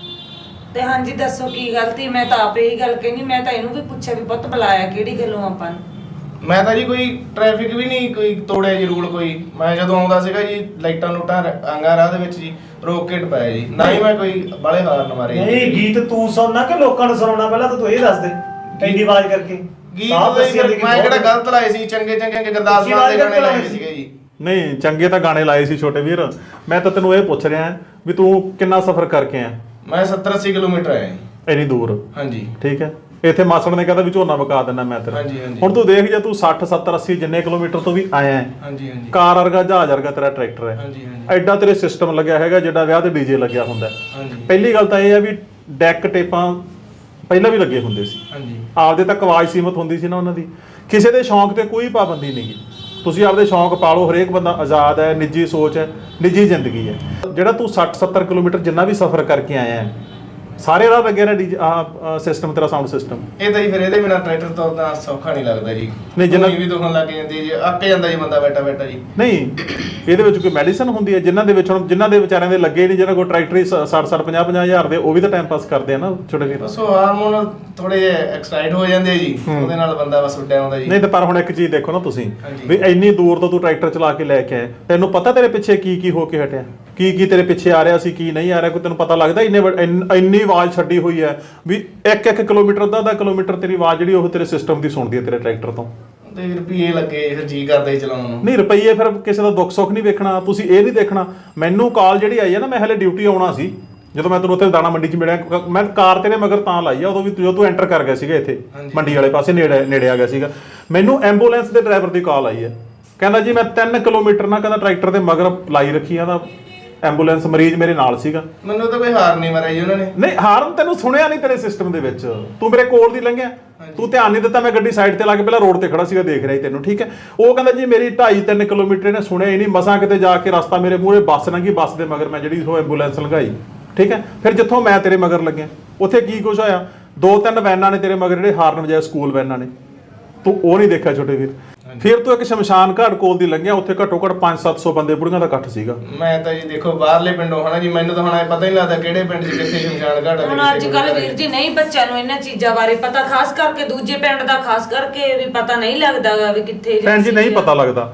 F: ਤੇ ਹਾਂਜੀ ਦੱਸੋ ਕੀ ਗਲਤੀ? ਮੈਂ ਤਾਂ ਆਪੇ ਹੀ ਗੱਲ ਕਹਿਨੀ, ਮੈਂ ਤਾਂ ਇਹਨੂੰ ਵੀ ਪੁੱਛਿਆ ਵੀ ਪੁੱਤ ਬੁਲਾਇਆ ਕਿਹੜੀ ਗੱਲੋਂ ਆਪਾਂ ਨੂੰ?
B: ਮੈਂ ਤਾਂ ਜੀ ਕੋਈ ਟ੍ਰੈਫਿਕ ਵੀ ਨਹੀਂ ਕੋਈ ਤੋੜਿਆ ਜੀ, ਰੂਲ ਕੋਈ। ਮੈਂ ਜਦੋਂ ਆਉਂਦਾ ਸੀਗਾ ਜੀ, ਲਾਈਟਾਂ ਲੂਟਾਂ ਆਂਗਾ ਰਾਹ ਦੇ ਵਿੱਚ ਜੀ, ਰੋਕ ਕੇ ਟਪਾਇਆ ਜੀ, ਨਾ ਹੀ ਮੈਂ ਕੋਈ ਬਾਲੇ ਹਾਰਨ ਮਾਰੇ ਜੀ।
C: ਨਹੀਂ, ਗੀਤ ਤੂੰ ਸੁਣਨਾ ਕਿ ਲੋਕਾਂ ਨੂੰ ਸੁਣਾਉਣਾ? ਪਹਿਲਾਂ ਤਾਂ ਤੂੰ ਇਹ ਦੱਸ ਦੇ, ਇੰਨੀ ਆਵਾਜ਼ ਕਰਕੇ।
B: ਗੀਤ
C: ਸਾਫ਼
B: ਤਾਂ
C: ਦੱਸੀ ਜਾਂਦੀ
B: ਜੀ
C: ਕਿ
B: ਮੈਂ ਕਿਹੜਾ
C: ਬਹੁਤ-
B: ਗਲਤ ਲਾਏ ਸੀ? ਚੰਗੇ ਚੰਗੇ ਗੁਰਦਾਸ ਮਾਨ ਦੇ ਗਾਣੇ ਲਾਏ ਸੀਗੇ ਜੀ।
A: ਨਹੀਂ, ਚੰਗੇ ਤਾਂ ਗਾਣੇ ਲਾਏ ਸੀ ਛੋਟੇ ਵੀਰ। ਮੈਂ ਤਾਂ ਤੈਨੂੰ ਇਹ ਪੁੱਛ ਰਿਹਾ ਵੀ ਤੂੰ ਕਿੰਨਾ ਸਫ਼ਰ ਕਰਕੇ ਆਇਆ?
B: ਮੈਂ 70-80 ਕਿਲੋਮੀਟਰ ਆਇਆ ਜੀ।
A: ਇੰਨੀ ਦੂਰ?
B: ਹਾਂਜੀ।
A: ਠੀਕ ਹੈ। ਇੱਥੇ ਮਾਸੜ ਨੇ ਕਹਿੰਦਾ ਵੀ ਝੋਨਾ ਵਕਾ ਦਿੰਦਾ ਮੈਂ ਤੇਰਾ।
B: ਹਾਂਜੀ, ਹਾਂਜੀ।
A: ਹੁਣ ਤੂੰ ਦੇਖ, ਜੇ ਤੂੰ 60 70 80 ਜਿੰਨੇ ਕਿਲੋਮੀਟਰ ਤੋਂ ਵੀ ਆਇਆ ਹੈ,
B: ਹਾਂਜੀ ਹਾਂਜੀ।
A: ਕਾਰ ਵਰਗਾ ਜਹਾਜ਼ ਵਰਗਾ ਤੇਰਾ ਟਰੈਕਟਰ ਹੈ,
B: ਹਾਂਜੀ ਹਾਂਜੀ।
A: ਐਡਾ ਤੇਰੇ ਸਿਸਟਮ ਲੱਗਿਆ ਹੈਗਾ ਜਿੱਡਾ ਵਿਆਹ ਤੇ ਡੀਜੇ ਲੱਗਿਆ ਹੁੰਦਾ ਹੈ।
B: ਹਾਂਜੀ
A: ਪਹਿਲੀ ਗੱਲ ਤਾਂ ਇਹ ਹੈ ਵੀ ਡੈਕ ਟੇਪਾਂ ਪਹਿਲਾਂ ਵੀ ਲੱਗੇ ਹੁੰਦੇ ਸੀ,
B: ਹਾਂਜੀ।
A: ਆਪਦੇ ਤੱਕ ਆਵਾਜ਼ ਸੀਮਤ ਹੁੰਦੀ ਸੀ ਨਾ ਉਹਨਾਂ ਦੀ। ਕਿਸੇ ਦੇ ਸ਼ੌਂਕ ਤੇ ਕੋਈ ਪਾਬੰਦੀ ਨਹੀਂ ਗੀ, ਤੁਸੀਂ ਆਪਦੇ ਸ਼ੌਂਕ ਪਾਲੋ, ਹਰੇਕ ਬੰਦਾ ਆਜ਼ਾਦ ਹੈ, ਨਿੱਜੀ ਸੋਚ ਹੈ, ਨਿੱਜੀ ਜ਼ਿੰਦਗੀ ਹੈ। ਜਿਹੜਾ ਤੂੰ 60 70 ਕਿਲੋਮੀਟਰ ਜਿੰਨਾ ਵੀ ਸਫ਼ਰ ਕਰਕੇ ਆਇਆ ਹੈ, ਸਾਰੇ ਰਾਹ ਲੱਗਿਆ ਨਾ ਸਿਸਟਮ ਤੇਰਾ, ਸਾਊਂਡ ਸਿਸਟਮ।
B: ਇਹ ਤਾਂ ਜੀ ਫਿਰ ਇਹਦੇ ਬਿਨਾ ਟਰੈਕਟਰ ਤੋਂ ਤਾਂ ਸੌਖਾ ਨਹੀਂ ਲੱਗਦਾ ਜੀ।
A: ਨਹੀਂ, ਜਿੰਨਾ
B: ਵੀ ਦੁਖਣ ਲੱਗ ਜਾਂਦੀ ਜੀ, ਅੱਕ ਜਾਂਦਾ ਜੀ ਬੰਦਾ ਬੈਠਾ ਬੈਠਾ ਜੀ।
A: ਨਹੀਂ, ਇਹਦੇ ਵਿੱਚ ਕੋਈ ਮੈਡੀਸਨ ਹੁੰਦੀ ਹੈ? ਜਿਨ੍ਹਾਂ ਦੇ ਵਿੱਚ ਹੁਣ ਜਿਨ੍ਹਾਂ ਦੇ ਵਿਚਾਰਿਆਂ ਦੇ ਲੱਗੇ ਨਹੀਂ, ਜਿਹਨਾਂ ਕੋਲ ਟਰੈਕਟਰ 60 50 ਹਜ਼ਾਰ ਦੇ, ਉਹ ਵੀ ਤਾਂ ਟਾਈਮ ਪਾਸ ਕਰਦੇ ਆ ਨਾ ਛੋਟੇ ਵੀਰ।
B: ਬਸ ਉਹ ਹਾਰਮੋਨ ਥੋੜੇ ਜਿਹੇ ਐਕਸਾਈਟ ਹੋ ਜਾਂਦੇ ਆ ਜੀ, ਉਹਦੇ ਨਾਲ ਬੰਦਾ ਬਸ ਉੱਡਿਆ ਆਉਂਦਾ ਜੀ।
A: ਨਹੀਂ ਤਾਂ ਪਰ ਹੁਣ ਇੱਕ ਚੀਜ਼ ਦੇਖੋ ਨਾ ਤੁਸੀਂ,
B: ਹਾਂਜੀ।
A: ਵੀ ਇੰਨੀ ਦੂਰ ਤੋਂ ਤੂੰ ਟਰੈਕਟਰ ਚਲਾ ਕੇ ਲੈ ਕੇ ਆਇਆ, ਤੈਨੂੰ ਪਤਾ ਤੇਰੇ ਪਿੱਛੇ ਕੀ ਕੀ ਹੋ ਕੇ ਹਟਿਆ, ਕੀ ਕੀ ਤੇਰੇ ਪਿੱਛੇ ਆ ਰਿਹਾ ਸੀ, ਕੀ ਨਹੀਂ ਆ ਰਿਹਾ, ਕੋਈ ਤੈਨੂੰ ਪਤਾ ਲੱਗਦਾ? ਇੰਨੀ ਆਵਾਜ਼ ਛੱਡੀ ਹੋਈ ਹੈ ਵੀ 1-1 ਕਿਲੋਮੀਟਰ ਅੱਧਾ ਕਿਲੋਮੀਟਰ ਤੇਰੀ ਆਵਾਜ਼ ਜਿਹੜੀ ਉਹ ਤੇਰੇ ਸਿਸਟਮ ਦੀ ਸੁਣਦੀ ਹੈ ਤੇਰੇ ਟਰੈਕਟਰ ਤੋਂ।
B: ਤੇ ਰੁਪਈਏ ਲੱਗੇ, ਫਿਰ ਜੀ ਕਰਦਾ ਹੀ ਚਲਾਉਣ ਨੂੰ।
A: ਨਹੀਂ, ਰੁਪਈਏ ਫਿਰ ਕਿਸੇ ਦਾ ਦੁੱਖ ਸੁੱਖ ਨਹੀਂ ਵੇਖਣਾ, ਤੁਸੀਂ ਇਹ ਨਹੀਂ ਦੇਖਣਾ। ਮੈਨੂੰ ਕਾਲ ਜਿਹੜੀ ਆਈ ਹੈ ਨਾ, ਮੈਂ ਹਲੇ ਡਿਊਟੀ ਆਉਣਾ ਸੀ, ਜਦੋਂ ਮੈਂ ਤੈਨੂੰ ਉੱਥੇ ਦਾਣਾ ਮੰਡੀ 'ਚ ਮਿਲਿਆ, ਮੈਂ ਕਾਰ ਤੇਰੇ ਮਗਰ ਤਾਂ ਲਾਈ ਆ, ਉਦੋਂ ਵੀ ਜਦੋਂ ਤੂੰ ਐਂਟਰ ਕਰ ਗਿਆ ਸੀਗਾ ਇੱਥੇ ਮੰਡੀ ਵਾਲੇ ਪਾਸੇ, ਨੇੜੇ ਆ ਗਿਆ ਸੀਗਾ। ਮੈਨੂੰ ਐਂਬੂਲੈਂਸ ਦੇ ਡਰਾਈਵਰ ਦੀ ਕਾਲ ਆਈ ਹੈ, ਕਹਿੰਦਾ ਜੀ ਮੈਂ 3 ਕਿਲੋਮੀਟਰ ਨਾ, ਕਹਿੰਦਾ ਟਰੈਕਟਰ ਦੇ ਮਗਰ ਲਾਈ ਰੱਖੀ ਆ ਦਾ ਐਂਬੂਲੈਂਸ, ਮਰੀਜ਼ ਮੇਰੇ ਨਾਲ ਸੀਗਾ।
B: ਮੈਨੂੰ ਤਾਂ ਕੋਈ ਹਾਰ ਨਹੀਂ ਮਾਰਿਆ ਜੀ ਉਹਨਾਂ ਨੇ।
A: ਨਹੀਂ, ਹਾਰਨ ਤੈਨੂੰ ਸੁਣਿਆ ਨਹੀਂ ਤੇਰੇ ਸਿਸਟਮ ਦੇ ਵਿੱਚ, ਤੂੰ ਮੇਰੇ ਕੋਲ ਦੀ ਲੰਘਿਆ, ਤੂੰ ਧਿਆਨ ਨਹੀਂ ਦਿੱਤਾ। ਮੈਂ ਗੱਡੀ ਸਾਈਡ ਤੇ ਲਾ ਕੇ ਪਹਿਲਾਂ ਰੋਡ ਤੇ ਖੜਾ ਸੀਗਾ, ਦੇਖ ਰਿਹਾ ਸੀ ਤੈਨੂੰ, ਠੀਕ ਹੈ। ਉਹ ਕਹਿੰਦਾ ਜੀ ਮੇਰੀ 2.5-3 ਕਿਲੋਮੀਟਰ ਇਹਨੇ ਸੁਣਿਆ ਹੀ ਨਹੀਂ, ਮਸਾਂ ਕਿਤੇ ਜਾ ਕੇ ਰਸਤਾ ਮੇਰੇ ਮੂਹਰੇ ਬੱਸ ਲੰਘੀ, ਬੱਸ ਦੇ ਮਗਰ ਮੈਂ ਜਿਹੜੀ ਉਹ ਐਂਬੂਲੈਂਸ ਲੰਘਾਈ, ਠੀਕ ਹੈ। ਫਿਰ ਜਿੱਥੋਂ ਮੈਂ ਤੇਰੇ ਮਗਰ ਲੱਗਿਆ, ਉੱਥੇ ਕੀ ਕੁਛ ਹੋਇਆ, 2-3 ਵੈਨਾਂ ਨੇ ਤੇਰੇ ਮਗਰ ਜਿਹੜੇ ਹਾਰਨ ਵਜਾਏ, ਸਕੂਲ ਵੈਨਾਂ ਨੇ, ਤੂੰ ਉਹ ਨਹੀਂ ਦੇਖਿਆ ਛੋਟੇ ਵੀਰ। ਫਿਰ ਤੂੰ ਇੱਕ ਸ਼ਮਸ਼ਾਨ ਘਾਟ ਕੋਲ ਦੀ ਲੰਘਿਆ, ਉੱਥੇ ਘੱਟੋ ਘੱਟ 500-700 ਬੰਦੇ ਬੁੜੀਆਂ ਦਾ ਇਕੱਠ ਸੀਗਾ।
B: ਮੈਂ ਤਾਂ ਜੀ ਦੇਖੋ ਬਾਹਰਲੇ ਪਿੰਡੋਂ ਹਨਾ ਜੀ, ਮੈਨੂੰ ਤਾਂ ਹੁਣ ਇਹ ਪਤਾ ਹੀ ਨਹੀਂ ਲੱਗਦਾ ਕਿਹੜੇ ਪਿੰਡ 'ਚ ਕਿੱਥੇ ਸ਼ਮਸ਼ਾਨ ਘਾਟ ਆ।
F: ਹੁਣ ਅੱਜ ਕੱਲ ਵੀਰ ਜੀ ਨਹੀਂ ਬੱਚਿਆਂ ਨੂੰ ਇਹਨਾਂ ਚੀਜ਼ਾਂ ਬਾਰੇ ਪਤਾ, ਖਾਸ ਕਰਕੇ ਦੂਜੇ ਪਿੰਡ ਦਾ ਖਾਸ ਕਰਕੇ ਵੀ ਪਤਾ ਨਹੀਂ ਲੱਗਦਾ ਵੀ ਕਿੱਥੇ
A: ਭੈਣ ਜੀ ਨਹੀਂ ਪਤਾ ਲੱਗਦਾ।